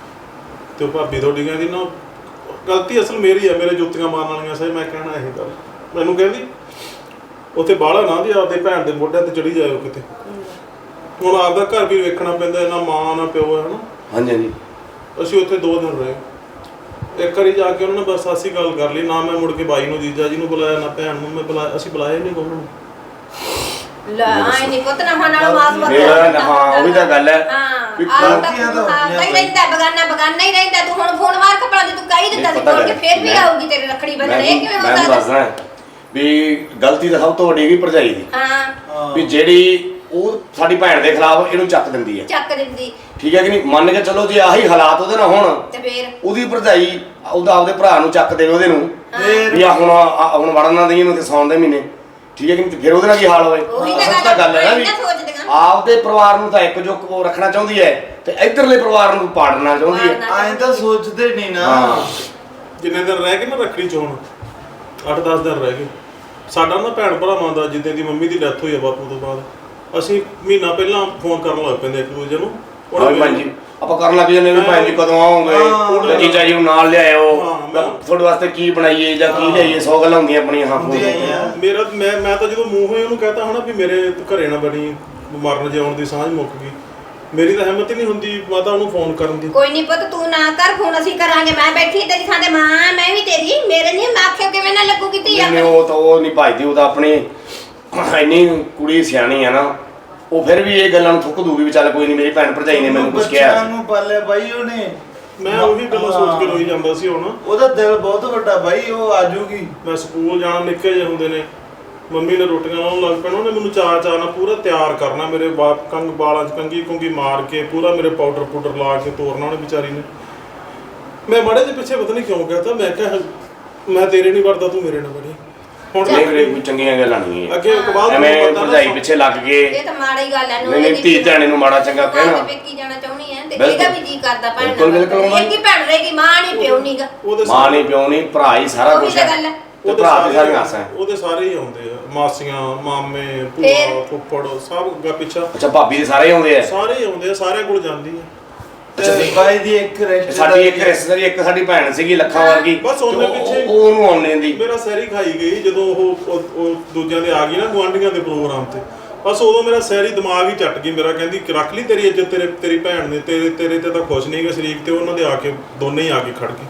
[SPEAKER 2] ਤੇ ਉਹ ਭਾਬੀ ਤੁਹਾਡੀ ਕਹਿੰਦੀ ਨਾ, ਗਲਤੀ ਅਸਲ ਮੇਰੀ ਆ, ਮੇਰੇ ਜੁੱਤੀਆਂ ਮਾਰਨ ਵਾਲੀਆਂ ਸੀ। ਮੈਂ ਕਹਿਣਾ ਇਹ ਗੱਲ, ਮੈਨੂੰ ਕਹਿੰਦੀ ਉੱਥੇ ਬਾਹਲਾ ਨਾ ਦੀ ਆਪਦੇ ਭੈਣ ਦੇ ਮੋਢਿਆਂ ਤੇ ਚੜੀ ਜਾਇਓ ਕਿਤੇ। ਹੁਣ ਆਪਦਾ ਘਰ ਵੀ ਵੇਖਣਾ ਪੈਂਦਾ, ਨਾ ਮਾਂ ਨਾ ਪਿਓ ਹੈ ਨਾ।
[SPEAKER 3] ਹਾਂਜੀ ਹਾਂਜੀ
[SPEAKER 2] ਅਸੀਂ ਉੱਥੇ ਦੋ ਦਿਨ ਰਹੇ। ਇੱਕ ਵਾਰੀ ਜਾ ਕੇ ਉਹਨਾਂ ਨੇ ਬਸ ਅਸੀਂ ਗੱਲ ਕਰ ਲਈ, ਨਾ ਮੈਂ ਮੁੜ ਕੇ ਬਾਈ ਨੂੰ ਜੀਜਾ ਜੀ ਨੂੰ ਬੁਲਾਇਆ, ਨਾ ਭੈਣ ਨੂੰ ਮੈਂ ਬੁਲਾਇਆ, ਅਸੀਂ ਬੁਲਾਇਆ ਨਹੀਂ ਕੋਈ ਨੂੰ।
[SPEAKER 1] ਲੈ ਆਏ ਨਹੀਂ ਪੁੱਤ ਨਾ ਨਾਲ ਮਾਸ ਮਤ
[SPEAKER 3] ਮੇਰਾ ਹਾਂ ਉਹੀ ਤਾਂ ਗੱਲ ਹੈ
[SPEAKER 1] ਹਾਂ
[SPEAKER 3] ਵੀ
[SPEAKER 1] ਆਹ
[SPEAKER 4] ਗਲਤੀਆਂ ਤਾਂ
[SPEAKER 1] ਤਾਂ
[SPEAKER 4] ਹੁੰਦੀਆਂ
[SPEAKER 1] ਹੀ ਰਹਿੰਦਾ, ਬਗਾਨਾ ਬਗਾਨਾ ਹੀ ਰਹਿੰਦਾ। ਤੂੰ ਹੁਣ ਫੋਨ ਮਾਰ ਕਪੜਾ ਦੇ, ਤੂੰ ਕਹੀ ਦਿੱਤਾ ਸੀ
[SPEAKER 3] ਪਤਾ
[SPEAKER 1] ਕੋਲ ਕੇ
[SPEAKER 3] ਗੱਲ
[SPEAKER 1] ਫੇਰ ਵੀ
[SPEAKER 3] ਮੈਂ-
[SPEAKER 1] ਆਊਗੀ ਤੇਰੇ ਰੱਖੜੀ ਬੰਨਣ।
[SPEAKER 3] ਮੈਂ
[SPEAKER 1] ਇਹ ਕਿਵੇਂ
[SPEAKER 3] ਮੈਂ
[SPEAKER 1] ਹੁੰਦਾ?
[SPEAKER 3] ਤੁਹਾਨੂੰ ਦੱਸਣਾ ਵੀ ਗਲਤੀ ਤਾਂ ਸਭ ਤੋਂ ਵੱਡੀ ਹੈਗੀ ਭਰਜਾਈ ਦੀ
[SPEAKER 1] ਹਾਂ
[SPEAKER 3] ਵੀ ਜਿਹੜੀ ਉਹ ਸਾਡੀ ਭੈਣ ਦੇ ਖਿਲਾਫ ਇਹਨੂੰ ਚੱਕ ਦਿੰਦੀ ਹੈ।
[SPEAKER 1] ਚੱਕ ਦਿੰਦੀ
[SPEAKER 3] ਠੀਕ ਹੈ ਕਿ ਨਹੀਂ? ਮੰਨ ਕੇ ਚਲੋ ਜੇ ਆਹੀ ਹਾਲਾਤ ਉਹਦੇ ਨਾਲ ਹੋਣ
[SPEAKER 1] ਤੇ ਫੇਰ
[SPEAKER 3] ਉਹਦੀ ਭਰਜਾਈ ਉਹਦਾ ਆਪਦੇ ਭਰਾ ਨੂੰ ਚੱਕ ਦੇਵੇ ਉਹਦੇ ਨੂੰ
[SPEAKER 4] ਫੇਰ
[SPEAKER 3] ਵੀ ਆ ਹੁਣ ਆ ਹੁਣ ਵੜਨ ਨਾ ਦੇਈ ਇਹਨੂੰ ਤੇ ਸੌਣ ਦੇ ਮਹੀਨੇ। ਠੀਕ ਹੈ ਕਿ ਨਹੀਂ? ਤੇ ਫਿਰ ਉਹਦੇ ਨਾਲ ਕੀ ਹਾਲ ਹੋਵੇ?
[SPEAKER 1] ਉਹੀ ਤਾਂ
[SPEAKER 3] ਸੱਚ ਤਾਂ ਗੱਲ ਹੈ ਨਾ ਵੀ
[SPEAKER 1] ਮੈਂ ਸੋਚਦੀਆਂ।
[SPEAKER 3] ਆਪਦੇ ਪਰਿਵਾਰ ਨੂੰ ਤਾਂ ਇੱਕ ਜੁੱਕ ਉਹ ਰੱਖਣਾ ਚਾਹੁੰਦੀ ਹੈ ਤੇ ਇਧਰਲੇ ਪਰਿਵਾਰ ਨੂੰ ਪਾੜਨਾ ਚਾਹੁੰਦੀ ਹੈ।
[SPEAKER 1] ਪਾੜਨਾ।
[SPEAKER 4] ਐਂ ਤਾਂ ਸੋਚਦੇ ਨਹੀਂ ਨਾ।
[SPEAKER 3] ਹਾਂ
[SPEAKER 2] ਜਿੰਨੇ ਦਿਨ ਰਹਿ ਗਏ ਨਾ ਰੱਖੜੀ ਚ ਹੁਣ ਅੱਠ ਦਸ ਦਿਨ ਰਹਿ ਗਏ। ਸਾਡਾ ਨਾ ਭੈਣ ਭਰਾਵਾਂ ਦਾ ਜਿੱਦਾਂ ਦੀ ਮੰਮੀ ਦੀ ਡੈਥ ਹੋਈ ਆ ਬਾਪੂ ਤੋਂ ਬਾਅਦ ਅਸੀਂ ਮਹੀਨਾ ਪਹਿਲਾਂ ਫੋਨ ਕਰਨ ਲੱਗ ਪੈਂਦੇ ਇੱਕ ਦੂਜੇ ਨੂੰ।
[SPEAKER 3] ਹਾਂ ਵੀ ਭੈਣ ਜੀ ਆਪਾਂ ਕਰਨ ਲੱਗ ਜਾਂਦੇ ਵੀ ਭੈਣ ਜੀ ਕਦੋਂ
[SPEAKER 4] ਹਾਂ।
[SPEAKER 3] ਆਉਂਗੇ, ਜੀਜਾ ਜੀ ਨੂੰ ਨਾਲ ਲਿਆਇਓ,
[SPEAKER 2] ਹਾਂ, ਮੈਂ-
[SPEAKER 3] ਤੁਹਾਡੇ ਵਾਸਤੇ ਕੀ ਬਣਾਈਏ ਜਾਂ ਕੀ ਲਿਆਈਏ, ਸੌ ਗੱਲਾਂ ਹੁੰਦੀਆਂ ਆਪਣੀਆਂ। ਹਾਂ
[SPEAKER 4] ਹੁੰਦੀਆਂ ਹੀ ਆ।
[SPEAKER 2] ਮੇਰਾ ਮੈਂ ਮੈਂ ਤਾਂ ਜਦੋਂ ਮੂੰਹ ਹੋਏ ਉਹਨੂੰ ਕਹਤਾ ਹਨਾ ਵੀ ਮੇਰੇ ਘਰੇ ਨਾ ਬਣੀ ਮਰਨ ਜਿਉਣ ਦੀ ਸਾਂਝ ਮੁੱਕ ਗਈ। ਮੇਰੀ ਤਾਂ ਹਿੰਮਤ ਹੀ ਨਹੀਂ ਹੁੰਦੀ ਮਾਤਾ ਉਹਨੂੰ ਫੋਨ ਕਰਨ ਦੀ।
[SPEAKER 1] ਕੋਈ ਨਹੀਂ ਪੁੱਤ ਤੂੰ ਨਾ ਕਰ ਫੋਨ ਅਸੀਂ ਕਰਾਂਗੇ। ਮੈਂ ਬੈਠੀ ਤੇਰੀ ਥਾਂ ਤੇ ਮਾਂ ਮੈਂ ਵੀ ਤੇਰੀ ਮੇਰੇ ਨਹੀਂ ਮੈਂ ਆਖਿਆ ਕਿਵੇਂ ਨਾ ਲੱਗੂਗੀ ਧੀ
[SPEAKER 3] ਨਹੀਂ
[SPEAKER 1] ਆਪਣੀ।
[SPEAKER 3] ਉਹ ਤਾਂ ਉਹ ਨਹੀਂ ਭਜਦੀ, ਉਹ ਤਾਂ ਆਪਣੀ ਇੰਨੀ ਕੁੜੀ ਸਿਆਣੀ ਆ ਨਾ, ਉਹ ਫਿਰ ਵੀ ਇਹ ਗੱਲਾਂ ਨੂੰ ਥੁੱਕ ਦੂਗੀ ਵੀ ਚੱਲ ਕੋਈ ਨਹੀਂ ਮੇਰੀ ਭੈਣ ਭਰਜਾਈ ਨੇ ਮੈਨੂੰ ਕੁਝ
[SPEAKER 4] ਬੱਚਿਆਂ
[SPEAKER 3] ਕਿਹਾ।
[SPEAKER 4] ਨੂੰ ਪਾਲਿਆ ਬਾਈ ਉਹਨੇ।
[SPEAKER 2] ਮੈਂ ਉਹੀ ਗੱਲਾਂ ਸੋਚ ਕੇ ਰੋਈ ਜਾਂਦਾ ਸੀ ਹੁਣ।
[SPEAKER 4] ਉਹਦਾ ਦਿਲ ਬਹੁਤ ਵੱਡਾ ਬਾਈ, ਉਹ ਆਜੂਗੀ।
[SPEAKER 2] ਮੈਂ ਸਕੂਲ ਜਾਣਾ ਨਿੱਕੇ ਜਿਹੇ ਹੁੰਦੇ ਨੇ ਮੰਮੀ ਨੇ ਰੋਟੀਆਂ ਲਾਉਣ ਲੱਗ ਪੈਣਾ, ਉਹਨੇ ਮੈਨੂੰ ਚਾਅ ਚਾਅ ਨਾਲ ਪੂਰਾ ਤਿਆਰ ਕਰਨਾ, ਮੇਰੇ ਬਾਪ ਕੰਗ ਬਾਲਾਂ 'ਚ ਕੰਗੀ ਕੁੰਗੀ ਮਾਰ ਕੇ ਪੂਰਾ ਮੇਰੇ ਪਾਊਡਰ ਪਾਊਡਰ ਲਾ ਕੇ ਤੋਰਨਾ ਉਹਨੇ ਵਿਚਾਰੀ ਨੇ। ਮੈਂ ਮਾੜੇ ਜਿਹੇ ਪਿੱਛੇ ਪਤਾ ਨਹੀਂ ਕਿਉਂ ਕਹਤਾ, ਮੈਂ ਕਿਹਾ ਮੈਂ ਤੇਰੇ ਨਹੀਂ ਵਰਦਾ ਤੂੰ ਮੇਰੇ ਨਾਲ ਵੜੀ। ਹੁਣ
[SPEAKER 3] ਨਹੀਂ ਵੀਰੇ ਕੋਈ ਚੰਗੀਆਂ ਗੱਲਾਂ ਨਹੀਂ ਹੈ।
[SPEAKER 2] ਅੱਗੇ ਇਕਬਾਲ
[SPEAKER 3] ਐਵੇਂ
[SPEAKER 2] ਨੂੰ ਪਤਾ
[SPEAKER 3] ਭਰਜਾਈ
[SPEAKER 2] ਨਾ
[SPEAKER 3] ਪਿੱਛੇ ਲੱਗ ਕੇ
[SPEAKER 1] ਇਹ ਤਾਂ ਮਾੜੀ ਗੱਲ ਹੈ।
[SPEAKER 3] ਨਹੀਂ ਨਹੀਂ ਧੀ ਧਿਆਣੇ ਨੂੰ ਮਾੜਾ ਚੰਗਾ ਕਹਿਣਾ।
[SPEAKER 1] ਤੇ ਪੇਕੀ ਜਾਣਾ ਚਾਹੁੰਦੀ ਹੈ ਤੇ
[SPEAKER 3] ਬਿਲਕੁਲ।
[SPEAKER 1] ਇਹਦਾ ਵੀ ਜੀ ਕਰਦਾ ਭੈਣ
[SPEAKER 3] ਬਿਲਕੁਲ, ਬਿਲਕੁਲ ਮਾਂ।
[SPEAKER 1] ਇੱਕ ਹੀ ਭੈਣ ਰਹੇਗੀ ਮਾਂ ਨਹੀਂ ਪਿਓ ਨਹੀਂਗਾ।
[SPEAKER 2] ਉਹਦੇ
[SPEAKER 3] ਮਾਂ ਨਹੀਂ ਪਿਓ ਨਹੀਂ ਭਰਾ ਹੀ ਸਾਰਾ
[SPEAKER 1] ਉਹੀ
[SPEAKER 3] ਕੁਝ
[SPEAKER 1] ਤਾਂ
[SPEAKER 3] ਹੈ।
[SPEAKER 1] ਗੱਲ ਹੈ।
[SPEAKER 3] ਤੇ ਭਰਾ ਦੀ ਸਾਰੀਆਂ ਆਸਾਂ ਹੈ।
[SPEAKER 2] ਉਹਦੇ ਸਾਰੇ ਹੀ ਆਉਂਦੇ ਆ, ਮਾਸੀਆਂ ਮਾਮੇ
[SPEAKER 1] ਫੇਰ?
[SPEAKER 2] ਭੂਆ ਫੁੱਫੜ ਸਭ ਅੱਗਾ ਪਿੱਛਾ
[SPEAKER 3] ਅੱਛਾ ਭਾਬੀ ਦੇ ਸਾਰੇ ਆਉਂਦੇ ਆ।
[SPEAKER 2] ਸਾਰੇ ਹੀ ਆਉਂਦੇ ਆ, ਸਾਰਿਆਂ ਕੋਲ ਜਾਂਦੀ ਆ।
[SPEAKER 4] ਤੇ ਬਾਈ ਦੀ ਇੱਕ ਰਿਸ਼ਤੇਦਾਰੀ
[SPEAKER 3] ਸਾਡੀ ਇੱਕ ਰਿਸ਼ਤੇਦਾਰੀ ਇੱਕ ਸਾਡੀ ਭੈਣ ਸੀਗੀ ਲੱਖਾਂ ਵਰਗੀ,
[SPEAKER 2] ਬਸ ਉਹਨੇ
[SPEAKER 3] ਤੇ ਉਹ-
[SPEAKER 2] ਪਿੱਛੇ-
[SPEAKER 3] ਉਹ ਉਹਨੂੰ ਆਉਣੇ ਦੀ।
[SPEAKER 2] ਮੇਰਾ ਸੈਰੀ ਖਾਈ ਗਈ ਜਦੋਂ ਉਹ ਉਹ- ਉਹ ਦੂਜਿਆਂ ਦੇ ਆ ਗਈ ਨਾ ਗੁਆਂਢੀਆਂ ਦੇ ਪ੍ਰੋਗਰਾਮ ਤੇ। ਬਸ ਉਦੋਂ ਮੇਰਾ ਸੈਰੀ ਦਿਮਾਗ ਹੀ ਚੱਟ ਗਈ ਮੇਰਾ, ਕਹਿੰਦੀ ਕਿ ਰੱਖ ਲਈ ਤੇਰੀ ਇੱਜ਼ਤ, ਤੇਰੇ ਤੇਰੀ ਭੈਣ ਨੇ ਤੇਰੇ ਤੇਰੇ ਤੇ ਤਾਂ ਖੁਸ਼ ਨਹੀਂ ਗਾ ਸ਼ਰੀਕ, ਤੇ ਉਹਨਾਂ ਦੇ ਆ ਕੇ ਦੋਨੇ ਹੀ ਆ ਕੇ ਖੜ ਗਏ।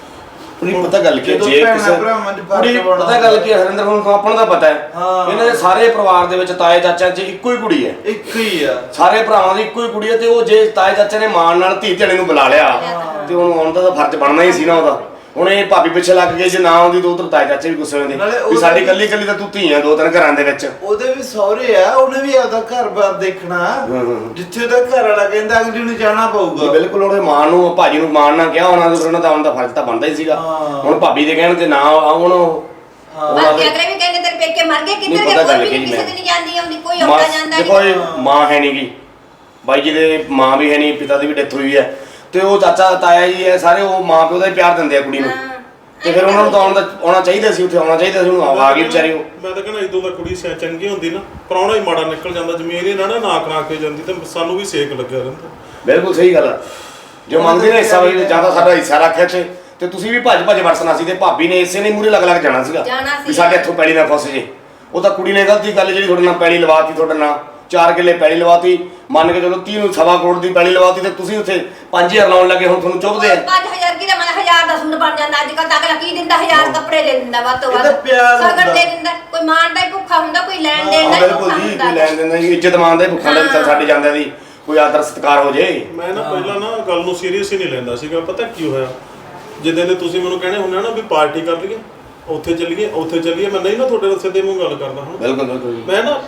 [SPEAKER 3] ਨਹੀਂ ਪਤਾ ਗੱਲ ਕੀ ਹੈ,
[SPEAKER 4] ਜਦੋਂ
[SPEAKER 3] ਜੇ
[SPEAKER 4] ਭੈਣਾਂ
[SPEAKER 3] ਕਿਸੇ
[SPEAKER 4] ਭਰਾਵਾਂ 'ਚ ਫਰਕ
[SPEAKER 3] ਕੁੜੀ
[SPEAKER 4] ਪਾਉਣਾ
[SPEAKER 3] ਪਤਾ ਗੱਲ ਕੀ ਹੈ ਹਰਿੰਦਰ, ਹੁਣ ਆਪਾਂ ਨੂੰ ਤਾਂ ਪਤਾ ਹੈ
[SPEAKER 4] ਹਾਂ।
[SPEAKER 3] ਇਹਨਾਂ ਦੇ ਸਾਰੇ ਪਰਿਵਾਰ ਦੇ ਵਿੱਚ ਤਾਏ ਚਾਚਾ 'ਚ ਇੱਕੋ ਹੀ ਕੁੜੀ ਹੈ।
[SPEAKER 4] ਇੱਕ ਹੀ ਆ।
[SPEAKER 3] ਸਾਰੇ ਭਰਾਵਾਂ ਦੀ ਇੱਕੋ ਹੀ ਕੁੜੀ ਹੈ, ਤੇ ਉਹ ਜੇ ਤਾਏ ਚਾਚੇ ਨੇ ਮਾਣ ਨਾਲ ਧੀ ਧਿਆਣੇ ਨੂੰ ਬੁਲਾ ਲਿਆ ਤੇ ਉਹਨੂੰ ਆਉਣ ਦਾ ਤਾਂ ਫਰਜ਼ ਬਣਨਾ ਹੀ ਸੀ ਨਾ ਉਹਦਾ। ਹੁਣ ਇਹ ਭਾਬੀ ਪਿੱਛੇ ਲੱਗ ਗਏ, ਜੇ ਨਾ ਆਉਂਦੀ ਤਾਂ ਉਧਰ ਤਾਏ ਚਾਚੇ ਵੀ ਗੁੱਸੇ ਹੁੰਦੇ
[SPEAKER 4] ਨਾਲੇ
[SPEAKER 3] ਵੀ
[SPEAKER 4] ਉਹਦੇ-
[SPEAKER 3] ਸਾਡੀ ਕੱਲੀ ਕੱਲੀ ਤਾਂ ਤੂੰ ਧੀ ਆ ਦੋ ਤਿੰਨ ਘਰਾਂ ਦੇ ਵਿੱਚ।
[SPEAKER 4] ਉਹਦੇ ਵੀ ਸਹੁਰੇ ਆ, ਉਹਨੇ ਵੀ ਆਪਦਾ ਘਰ-ਬਾਰ ਦੇਖਣਾ।
[SPEAKER 3] ਹੂੰ।
[SPEAKER 4] ਜਿੱਥੇ ਦਾ ਘਰ ਵਾਲਾ ਕਹਿੰਦਾ ਅਗਲੀ ਨੂੰ ਜਾਣਾ
[SPEAKER 3] ਜੀ
[SPEAKER 4] ਪਊਗਾ।
[SPEAKER 3] ਬਿਲਕੁਲ, ਉਹਦੇ ਮਾਂ ਨੂੰ ਭਾਜੀ ਨੂੰ ਮਾਣ ਨਾ ਕਿਹਾ ਹੋਣਾ, ਤੇ ਫਿਰ ਉਹਨਾਂ ਦਾ ਆਉਣ ਦਾ ਫਰਜ਼ ਤਾਂ ਬਣਦਾ ਹੀ ਸੀਗਾ।
[SPEAKER 4] ਹਾਂ।
[SPEAKER 3] ਹੁਣ ਭਾਬੀ ਦੇ ਕਹਿਣ ਤੇ ਨਾ ਆਉਣ ਉਹ
[SPEAKER 4] ਹਾਂ।
[SPEAKER 3] ਉਹਨਾਂ
[SPEAKER 1] ਬਾਕੀ
[SPEAKER 3] ਦੇ-
[SPEAKER 1] ਅਗਲੇ ਵੀ ਕਹਿੰਦੇ ਤੇਰੇ ਪੇਕੇ ਮਰ ਗਏ,
[SPEAKER 3] ਨਹੀਂ,
[SPEAKER 1] ਕਿੱਧਰ
[SPEAKER 3] ਪਤਾ
[SPEAKER 1] ਗਏ,
[SPEAKER 3] ਗੱਲ
[SPEAKER 1] ਕੋਈ
[SPEAKER 3] ਕੀ
[SPEAKER 1] ਵੀ ਕਿਸੇ
[SPEAKER 3] ਮੈਂ-
[SPEAKER 1] ਦੀ ਨਹੀਂ ਜਾਂਦੀ ਆਉਂਦੀ, ਕੋਈ
[SPEAKER 3] ਮਾਂ
[SPEAKER 1] ਆਉਂਦਾ ਜਾਂਦਾ
[SPEAKER 3] ਦੇਖੋ
[SPEAKER 1] ਨਹੀਂ।
[SPEAKER 3] ਇਹ ਮਾਂ ਹੈ ਨਹੀਂਗੀ, ਬਾਈ ਜੀ ਦੇ ਮਾਂ ਵੀ ਹੈ ਨਹੀਂ, ਪਿਤਾ ਦੀ ਵੀ ਡੈਥ ਹੋਈ ਹੈ, ਤੇ ਉਹ ਚਾਚਾ ਤਾਇਆ ਜੀ ਹੈ, ਸਾਰੇ ਉਹ ਮਾਂ ਪਿਓ ਦਾ ਹੀ ਪਿਆਰ ਦਿੰਦੇ ਆ ਕੁੜੀ ਨੂੰ।
[SPEAKER 1] ਹਾਂ।
[SPEAKER 3] ਤੇ ਫਿਰ ਉਹਨਾਂ ਨੂੰ ਤਾਂ ਆਉਣ ਦਾ ਆਉਣਾ ਚਾਹੀਦਾ ਸੀ, ਉੱਥੇ ਆਉਣਾ ਚਾਹੀਦਾ ਸੀ, ਉਹਨੂੰ ਆ ਗਈ ਵਿਚਾਰੀ ਉਹ।
[SPEAKER 2] ਮੈਂ ਤਾਂ ਕਹਿੰਦਾ ਇਦੋਂ ਦਾ ਕੁੜੀ ਸਿਆ ਚੰਗੀ ਹੁੰਦੀ ਨਾ, ਪ੍ਰਾਹੁਣਾ ਹੀ ਮਾੜਾ ਨਿਕਲ ਜਾਂਦਾ, ਜ਼ਮੀਨ ਹੀ ਨਾ ਨਾ ਨਾ ਕਰਾ ਕੇ ਜਾਂਦੀ ਤੇ ਸਾਨੂੰ ਵੀ ਸੇਕ ਲੱਗਿਆ ਰਹਿੰਦਾ।
[SPEAKER 3] ਬਿਲਕੁਲ ਸਹੀ ਗੱਲ ਹੈ। ਜੋ ਮੰਗਦੇ ਨੇ ਹਿੱਸਾ ਵੀ ਜਿਆਦਾ ਸਾਡਾ ਹਿੱਸਾ ਰੱਖਿਆ ਚ, ਤੇ ਤੁਸੀਂ ਵੀ ਭੱਜ ਭੱਜ ਵਰਸਣਾ ਸੀ, ਤੇ ਭਾਬੀ ਨੇ ਇਸੇ ਨੇ ਮੂਰੇ ਲੱਗ ਲੱਗ ਜਾਣਾ ਸੀਗਾ
[SPEAKER 1] ਜਾਣਾ ਸੀ।
[SPEAKER 3] ਵੀ ਸਾਡੇ ਇੱਥੋਂ ਪੈਲੀ ਨਾ ਫਸ ਜੇ। ਉਹ ਤਾਂ ਕੁੜੀ ਨੇ ਗਲਤੀ ਗੱਲ ਜਿਹੜੀ ਤੁਹਾਡੇ ਨਾਲ ਪੈਲੀ ਲਵਾਤੀ, ਤੁਹਾਡੇ ਨਾਲ ਚਾਰ ਕਿੱਲੇ ਪੈਲੀ ਲਵਾਤੀ, ਮੰਨ ਕੇ ਚਲੋ ਤੀਹ ਨੂੰ ਸਵਾ ਕਰੋੜ ਦੀ ਪੈਲੀ ਲਵਾਤੀ, ਤੇ ਤੁਸੀਂ ਉੱਥੇ ਪੰਜ ਹਜ਼ਾਰ ਲਾਉਣ ਲੱਗੇ, ਹੁਣ ਤੁਹਾਨੂੰ ਚੁੱਭਦੇ ਆ।
[SPEAKER 1] ਪੰਜ ਹਜ਼ਾਰ ਕੀ ਦਾ ਮਨ ਹਜ਼ਾਰ ਦਾ ਸੂਟ ਬਣ ਜਾਂਦਾ ਅੱਜ ਕੱਲ ਤਾਂ ਅਗਲਾ ਕੀ ਦਿੰਦਾ, ਹਜ਼ਾਰ ਕੱਪੜੇ ਦੇ ਦਿੰਦਾ ਵੱਧ ਤੋਂ
[SPEAKER 4] ਇਹ
[SPEAKER 1] ਵੱਧ,
[SPEAKER 4] ਤਾਂ ਪਿਆਰ
[SPEAKER 1] ਸਗਨ
[SPEAKER 4] ਹੁੰਦਾ।
[SPEAKER 1] ਦੇ ਦਿੰਦਾ, ਕੋਈ ਮਾਣ ਦਾ ਹੀ ਭੁੱਖਾ ਹੁੰਦਾ, ਕੋਈ ਲੈਣ ਦੇਣ
[SPEAKER 3] ਹਾਂ
[SPEAKER 1] ਦਾ ਹੀ
[SPEAKER 3] ਬਿਲਕੁਲ
[SPEAKER 1] ਭੁੱਖਾ
[SPEAKER 3] ਜੀ,
[SPEAKER 1] ਹੁੰਦਾ।
[SPEAKER 3] ਕੋਈ ਲੈਣ ਦਿੰਦਾ ਜੀ, ਇੱਜ਼ਤ ਮੰਨਦਾ ਭੁੱਖਾਂ ਦਾ ਵੀ ਚੱਲ ਸਾਡੇ ਜਾਂਦਿਆਂ ਦੀ ਕੋਈ ਆਦਰ ਸਤਿਕਾਰ ਹੋ ਜੇ।
[SPEAKER 2] ਮੈਂ ਨਾ ਪਹਿਲਾਂ ਨਾ ਗੱਲ ਨੂੰ ਸੀਰੀਅਸ ਹੀ ਨਹੀਂ ਲੈਂਦਾ ਸੀਗਾ। ਪਤਾ ਕੀ ਹੋਇਆ, ਜਿੱਦਾਂ ਦੇ ਤੁਸੀਂ ਮੈਨੂੰ ਕਹਿੰਦੇ ਹੁੰਦੇ ਆ ਨਾ ਵੀ ਪਾਰਟੀ ਕਰ ਲਈਏ, ਉੱਥੇ ਚੱਲੀਏ ਉੱਥੇ ਚੱਲੀਏ, ਮੈਂ ਨਹੀਂ ਨਾ ਤੁਹਾਡੇ ਨਾਲ ਸਿੱਧੇ ਮੂੰਹ ਗੱਲ ਕਰਦਾ ਹੁਣ।
[SPEAKER 3] ਬਿਲਕੁਲ ਬਿਲਕੁਲ ਜੀ।
[SPEAKER 2] ਮੈਂ ਨਾ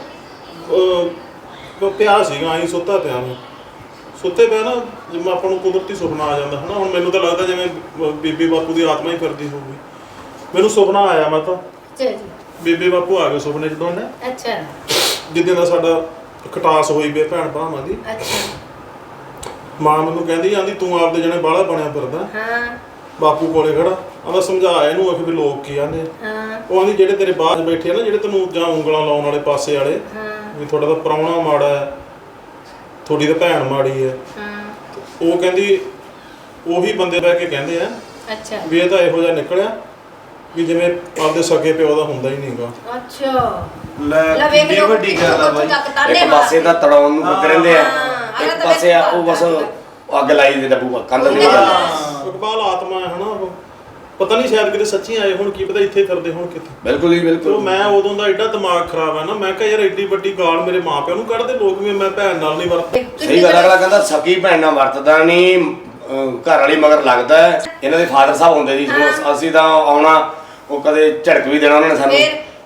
[SPEAKER 2] ਅਹ, ਪਿਆ ਸੀਗਾ ਆਈ ਸੁੱਤਾ ਪਿਆ ਮੈਂ, ਸੁੱਤੇ ਪਿਆ ਨਾ ਜਿਵੇਂ ਆਪਾਂ ਨੂੰ ਕੁਦਰਤੀ ਸੁਪਨਾ ਆ ਜਾਂਦਾ ਹਨਾ। ਹੁਣ ਮੈਨੂੰ ਤਾਂ ਲੱਗਦਾ ਜਿਵੇਂ ਬ- ਬੀਬੀ ਬਾਪੂ ਦੀ ਆਤਮਾ ਹੀ ਫਿਰਦੀ ਹੋਊਗੀ। ਮੈਨੂੰ ਸੁਪਨਾ ਆਇਆ, ਮੈਂ ਤਾਂ
[SPEAKER 1] ਅੱਛਾ ਜੀ।
[SPEAKER 2] ਬੀਬੀ ਬਾਪੂ ਆ ਗਏ ਸੁਪਨੇ 'ਚ ਦੋਨੇ,
[SPEAKER 1] ਅੱਛਾ
[SPEAKER 2] ਜਿੱਦਾਂ ਦਾ ਸਾਡਾ ਖਟਾਸ ਹੋਈ ਵੀ ਭੈਣ ਭਰਾਵਾਂ ਦੀ।
[SPEAKER 1] ਅੱਛਾ।
[SPEAKER 2] ਮਾਂ ਮੈਨੂੰ ਕਹਿੰਦੀ ਆਂਦੀ ਤੂੰ ਆਪਦੇ ਜਣੇ ਬਾਹਲਾ ਬਣਿਆ ਫਿਰਦਾ,
[SPEAKER 1] ਹਾਂ
[SPEAKER 2] ਬਾਪੂ ਕੋਲੇ ਖੜਾ ਆਂਦਾ ਸਮਝਾਇਆ ਇਹਨੂੰ ਆਖੇ ਵੀ ਲੋਕ ਕੀ ਆਂਦੇ।
[SPEAKER 1] ਹਾਂ
[SPEAKER 2] ਉਹ ਆਂਦੀ ਜਿਹੜੇ ਤੇਰੇ ਬਾਹਰ ਬੈਠੇ ਆ ਨਾ, ਜਿਹੜੇ ਤੈਨੂੰ ਜਾਂ ਉਂਗਲਾਂ ਲਾਉਣ ਵਾਲੇ ਪਾਸੇ ਵਾਲੇ,
[SPEAKER 1] ਹਾਂ
[SPEAKER 2] ਵੀ ਤੁਹਾਡਾ ਤਾਂ ਪ੍ਰਾਹੁਣਾ ਮਾੜਾ ਹੈ, ਤੁਹਾਡੀ ਤਾਂ ਭੈਣ ਮਾੜੀ ਹੈ।
[SPEAKER 1] ਹਾਂ।
[SPEAKER 2] ਉਹ ਕਹਿੰਦੀ ਉਹੀ ਬੰਦੇ ਬਹਿ ਕੇ ਕਹਿੰਦੇ ਆ
[SPEAKER 1] ਅੱਛਾ
[SPEAKER 2] ਵੀ ਇਹ ਤਾਂ ਇਹੋ ਜਿਹਾ ਨਿਕਲਿਆ ਵੀ ਜਿਵੇਂ ਆਪਦੇ ਸਕੇ ਪਿਓ ਦਾ ਹੁੰਦਾ ਹੀ ਨਹੀਂਗਾ।
[SPEAKER 1] ਅੱਛਾ
[SPEAKER 4] ਲੈ
[SPEAKER 1] ਲੈ ਵੇਖ
[SPEAKER 4] ਕਿੰਨੀ
[SPEAKER 1] ਲਓ
[SPEAKER 4] ਵੱਡੀ ਗੱਲ ਆ ਬਾਈ।
[SPEAKER 3] ਇੱਕ ਪਾਸੇ ਤਾਂ ਤੜਾਉਣ ਨੂੰ ਫਿਰਦੇ ਰਹਿੰਦੇ ਆ,
[SPEAKER 1] ਹਾਂ,
[SPEAKER 3] ਇੱਕ
[SPEAKER 1] ਅਗਲਾ ਤਾਂ
[SPEAKER 3] ਪਾਸੇ ਆ ਉਹ
[SPEAKER 1] ਵੈਸੇ
[SPEAKER 3] ਬਸ ਅੱਗ ਲਾਈ ਦੇ ਡੱਬੂ ਕੰਧ ਦੇ
[SPEAKER 1] ਹਾਂ।
[SPEAKER 3] ਨਾਲ।
[SPEAKER 2] ਇਕਬਾਲ ਆਤਮਾ ਹੈ ਹਨਾ ਉਹ, ਪਤਾ ਨਹੀਂ ਸ਼ਾਇਦ ਕਿਤੇ ਸੱਚੀ ਆਏ ਹੁਣ, ਕੀ ਪਤਾ ਇੱਥੇ ਫਿਰਦੇ ਹੁਣ ਕਿਤੇ।
[SPEAKER 3] ਬਿਲਕੁਲ ਜੀ
[SPEAKER 2] ਤੇ
[SPEAKER 3] ਬਿਲਕੁਲ।
[SPEAKER 2] ਮੈਂ ਉਦੋਂ ਦਾ ਐਡਾ ਦਿਮਾਗ ਖਰਾਬ ਹੈ ਨਾ, ਮੈਂ ਕਿਹਾ ਯਾਰ ਐਡੀ ਵੱਡੀ ਗਾਲ ਮੇਰੇ ਮਾਪਿਆਂ ਨੂੰ ਕੱਢਦੇ ਲੋਕ ਵੀ ਮੈਂ ਭੈਣ ਨਾਲ ਨਹੀਂ ਵਰਤ।
[SPEAKER 3] ਸਹੀ ਗੱਲ, ਅਗਲਾ ਕਹਿੰਦਾ ਸਕੀ ਭੈਣ ਨਾਲ ਵਰਤਦਾ ਨਹੀਂ, ਅਹ ਘਰ ਵਾਲੀ ਮਗਰ ਲੱਗਦਾ ਹੈ। ਇਹਨਾਂ ਦੇ ਫਾਦਰ ਸਾਹਿਬ ਹੁੰਦੇ ਜੀ, ਜਦੋਂ ਅਸੀਂ ਤਾਂ ਆਉਣਾ ਉਹ ਕਦੇ ਝੜਕ ਵੀ ਦੇਣਾ ਉਹਨਾਂ ਨੇ ਸਾਨੂੰ,
[SPEAKER 1] ਫਿਰ?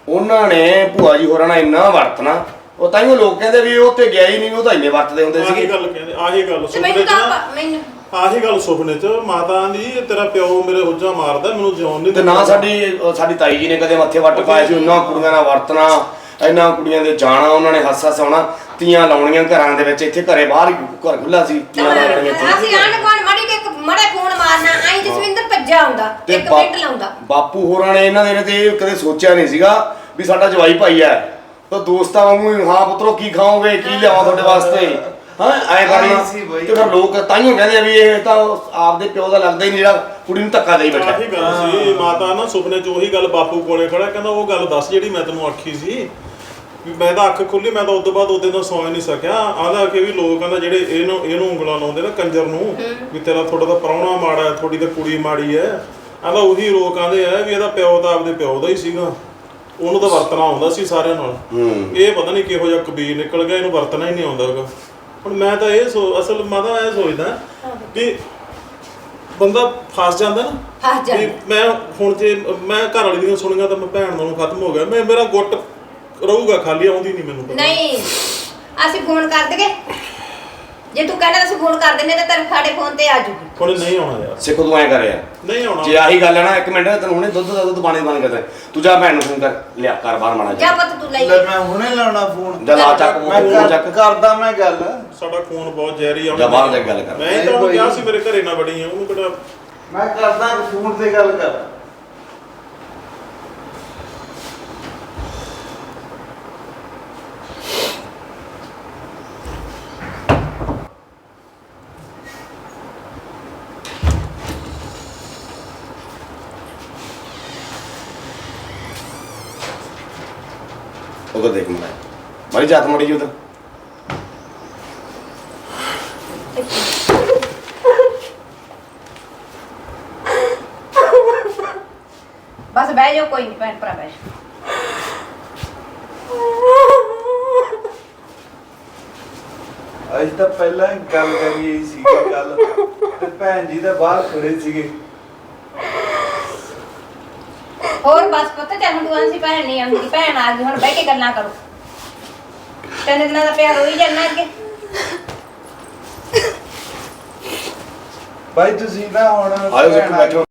[SPEAKER 3] ਉਹਨਾਂ ਨੇ ਭੂਆ ਜੀ ਹੋਰਾਂ ਨਾਲ ਇੰਨਾ ਵਰਤਣਾ, ਉਹ ਤਾਈਓ ਲੋਕ ਕਹਿੰਦੇ ਵੀ ਉਹ ਤੇ ਗਿਆ ਹੀ ਨਹੀਂ, ਉਹ ਤਾਂ ਇੰਨੇ ਵਰਤਦੇ ਹੁੰਦੇ
[SPEAKER 2] ਆਹੀ
[SPEAKER 3] ਸੀਗੇ।
[SPEAKER 2] ਗੱਲ ਕਹਿੰਦੇ, ਆਹੀ ਗੱਲ
[SPEAKER 1] ਤੇ
[SPEAKER 2] ਸੁਪਨੇ
[SPEAKER 1] ਮੈਨੂੰ
[SPEAKER 2] ਚ
[SPEAKER 1] ਤਾਂ
[SPEAKER 2] ਨਾ,
[SPEAKER 1] ਆਪ- ਮੈਨੂੰ
[SPEAKER 2] ਆਹੀ ਗੱਲ ਸੁਪਨੇ ਚ ਮਾਤਾ ਦੀ ਤੇਰਾ ਪਿਓ ਮੇਰੇ ਹੁੱਜਾ ਮਾਰਦਾ, ਮੈਨੂੰ ਜਿਉਣ ਨਹੀਂ
[SPEAKER 3] ਤੇ ਨਾ ਸਾਡੀ ਸਾਡੀ ਤਾਈ ਜੀ ਨੇ ਕਦੇ ਮੱਥੇ ਵੱਟ ਪਾਏ ਸੀ, ਉਹਨਾਂ ਕੁੜੀਆਂ ਨਾਲ ਵਰਤਣਾ, ਇਹਨਾਂ ਕੁੜੀਆਂ ਦੇ ਜਾਣਾ, ਉਹਨਾਂ ਨੇ ਹੱਸ ਹੱਸ ਆਉਣਾ, ਤੀਆਂ ਲਾਉਣੀਆਂ ਘਰਾਂ ਦੇ ਵਿੱਚ, ਇੱਥੇ ਘਰੇ ਬਾਹਰ ਹੀ ਘਰ ਖੁੱਲਾ ਸੀ, ਤੀਆਂ ਲਾਉਣੀਆਂ ਇੱਥੇ।
[SPEAKER 1] ਅਸੀਂ ਆਣ ਕੋਣ ਮੜੀ ਕੇ ਇੱਕ ਮੜਾ ਫੋਨ ਮਾਰਨਾ, ਆਈ ਜਸਵਿੰਦਰ ਭੱਜਾ ਆਉਂਦਾ,
[SPEAKER 3] ਤੇ
[SPEAKER 1] ਇੱਕ
[SPEAKER 3] ਬਾ-
[SPEAKER 1] ਮਿੰਟ ਲਾਉਂਦਾ।
[SPEAKER 3] ਬਾਪੂ ਹੋਰਾਂ ਨੇ ਇਹਨਾਂ ਦੇ ਨੇ ਤੇ ਕਦੇ ਸੋਚਿਆ ਨਹੀਂ ਸੀਗਾ ਵੀ ਸਾਡਾ ਜਵਾਈ ਭਾਈ ਹੈ, ਤਾਂ ਦੋਸਤਾਂ ਵਾਂਗੂ ਹੀ, ਹਾਂ ਪੁੱਤਰੋ ਕੀ ਖਾਓਗੇ, ਕੀ ਲਿਆਵਾਂ ਤੁਹਾਡੇ ਵਾਸਤੇ, ਹਾਂ ਐ ਕਰਨਾ।
[SPEAKER 4] ਆਹੀ ਸੀ ਬਾਈ।
[SPEAKER 3] ਤੇ ਫਿਰ ਲੋਕ ਤਾਈਓ ਕਹਿੰਦੇ ਆ ਵੀ ਇਹ ਤਾਂ ਆਪਦੇ ਪਿਓ ਦਾ ਲੱਗਦਾ ਹੀ ਨਹੀਂ, ਜਿਹੜਾ ਕੁੜੀ ਨੂੰ ਧੱਕਾ ਦੇਈ ਬੈਠਾ।
[SPEAKER 2] ਆਹੀ ਗੱਲ ਸੀ, ਮਾਤਾ ਨਾ ਸੁਪਨੇ ਚ ਉਹੀ ਗੱਲ ਬਾਪੂ ਕੋਲੇ ਖੜਾ, ਕਹਿੰਦਾ ਉਹ ਗੱਲ ਦੱਸ ਜਿਹੜੀ ਮੈਂ ਤੈਨੂੰ ਆਖੀ ਸੀ ਵੀ ਮੈਂ ਤਾਂ ਅੱਖ ਖੁੱਲੀ, ਮੈਂ ਤਾਂ ਉਸ ਤੋਂ ਬਾਅਦ ਉਹਦੇ ਨਾਲ ਸੌਂ ਨਹੀਂ ਸਕਿਆ। ਆਹਦਾ ਕਿ ਵੀ ਲੋਕ ਕਹਿੰਦਾ ਜਿਹੜੇ ਇਹਨੂੰ ਇਹਨੂੰ ਉਂਗਲਾਂ ਲਾਉਂਦੇ ਨਾ ਕੰਜਰ ਨੂੰ, ਵੀ ਤੇਰਾ ਥੋੜਾ ਤਾਂ ਪ੍ਰਾਹੁਣਾ ਮਾੜਾ ਹੈ, ਥੋੜੀ ਤਾਂ ਕੁੜੀ ਮਾੜੀ ਹੈ, ਆਹਦਾ ਉਹੀ ਲੋਕ ਆਂਦੇ ਆ ਵੀ ਇਹਦਾ ਪਿਓ ਤਾਂ ਆਪਦੇ ਪਿਓ ਦਾ ਹੀ ਸੀਗਾ, ਉਹਨੂੰ ਤਾਂ ਵਰਤਣਾ ਆਉਂਦਾ ਸੀ ਸਾਰਿਆਂ ਨਾਲ।
[SPEAKER 3] ਹੂੰ
[SPEAKER 2] ਇਹ ਪਤਾ ਨਹੀਂ ਕਿਹੋ ਜਿਹਾ ਕਬੀਰ ਨਿਕਲ ਗਿਆ, ਇਹਨੂੰ ਵਰਤਣਾ ਹੀ ਨਹੀਂ ਆਉਂਦਾ ਹੈਗਾ। ਹੁਣ ਮੈਂ ਤਾਂ ਇਹ ਸੋ ਅਸਲ ਮੈਂ ਤਾਂ ਇਹ ਸੋਚਦਾ ਕਿ ਬੰਦਾ ਫਸ ਜਾਂਦਾ ਨਾ,
[SPEAKER 1] ਫਸ ਜਾਂਦਾ।
[SPEAKER 2] ਵੀ ਮੈਂ ਹੁਣ ਜੇ ਮੈਂ ਘਰ ਵਾਲੀ ਦੀਆਂ ਸੁਣੀਆਂ ਤਾਂ ਮੈਂ ਭੈਣ ਨਾਲੋਂ ਖਤਮ ਹੋ ਗਿਆ, ਮੈਂ ਮੇਰਾ ਗੁੱਟ ਰਹੂਗਾ ਖਾਲੀ, ਆਉਂਦੀ ਨਹੀਂ ਮੈਨੂੰ ਪਤਾ।
[SPEAKER 1] ਨਹੀਂ ਅਸੀਂ ਫੋਨ ਕਰ ਦਗੇ, ਜੇ ਤੂੰ ਕਹਿੰਦਾ ਅਸੀਂ ਫੋਨ ਕਰ ਦਿੰਨੇ ਤਾਂ ਤੇਰੇ ਸਾਡੇ ਫੋਨ ਤੇ ਆ ਜੂਗੀ।
[SPEAKER 2] ਹੁਣ ਨਹੀਂ ਆਉਣਾ ਯਾਰ,
[SPEAKER 3] ਸਿੱਖੋ ਤੂੰ ਐ ਕਰਿਆ,
[SPEAKER 2] ਨਹੀਂ ਆਉਣਾ।
[SPEAKER 3] ਜੇ ਆਹੀ ਗੱਲ ਹੈ ਨਾ, ਇੱਕ ਮਿੰਟ ਤੈਨੂੰ ਹੁਣੇ ਦੁੱਧ ਦਾ ਦੁੱਧ ਪਾਣੀ ਦਾ ਪਾਣੀ ਕਰਦਾ, ਤੂੰ ਜਾ ਭੈਣ ਨੂੰ ਫੋਨ ਕਰ, ਲਿਆ ਕਰ ਬਾਹਰ ਮਾਣਾ
[SPEAKER 1] ਜਾ ਪੁੱਤ ਤੂੰ ਲਈ
[SPEAKER 4] ਲੈ ਮੈਂ ਹੁਣੇ ਲਾਉਣਾ ਫੋਨ।
[SPEAKER 3] ਜਾ ਲਾ ਚੱਕ
[SPEAKER 4] ਮੈਂ
[SPEAKER 3] ਫੋਨ
[SPEAKER 4] ਕਰ-
[SPEAKER 3] ਚੱਕ,
[SPEAKER 4] ਕਰਦਾ ਮੈਂ ਗੱਲ।
[SPEAKER 2] ਸਾਡਾ ਖੂਨ ਬਹੁਤ ਜ਼ਹਿਰੀ ਆ।
[SPEAKER 3] ਜਾ ਬਾਹਰ ਜਾ ਕੇ ਗੱਲ ਕਰ।
[SPEAKER 2] ਮੈਂ ਤਾਂ ਉਹਨੂੰ ਕਿਹਾ ਸੀ ਮੇਰੇ ਘਰੇ ਨਾ ਬੜੀ ਆ, ਉਹਨੂੰ ਕਿਹੜਾ
[SPEAKER 4] ਮੈਂ ਕਰਦਾ ਫੋਨ ਤੇ ਗੱਲ ਕਰ।
[SPEAKER 3] ਉਧਰ ਦੇਖ ਮੈਂ ਮਾਰੀ ਜਾਤ ਮੜੀ ਜੀ ਉਧਰ।
[SPEAKER 1] ਬਸ ਬਹਿ ਜਾਓ, ਕੋਈ ਨਹੀਂ ਭੈਣ ਭਰਾ ਬਹਿ ਜਾਓ।
[SPEAKER 4] ਅੱਜ ਤਾਂ ਪਹਿਲਾਂ ਹੀ ਗੱਲ ਕਰੀ ਸੀ ਗੱਲ, ਤੇ ਭੈਣ ਜੀ ਤਾਂ ਬਾਹਰ ਖੜੇ ਸੀਗੇ।
[SPEAKER 1] ਹੋਰ ਬਸ ਪੁੱਤ ਚੱਲ ਹੁਣ ਤੂੰ ਆਂਸੀ ਭੈਣ ਨਹੀਂ ਆਉਂਦੀ, ਭੈਣ ਆ ਗਈ, ਹੁਣ ਬਹਿ ਕੇ ਗੱਲਾਂ ਕਰੋ। ਤਿੰਨ ਦਿਨਾਂ ਦਾ ਪਿਆਰ ਹੋਈ ਜਾਂਦਾ ਅੱਗੇ।
[SPEAKER 4] ਬਾਈ ਤੁਸੀਂ ਨਾ ਹੁਣ
[SPEAKER 3] ਆਇਓ
[SPEAKER 4] ਭੈਣ
[SPEAKER 3] ਸਿੱਖੋ
[SPEAKER 4] ਆ
[SPEAKER 3] ਬੈਠੋ।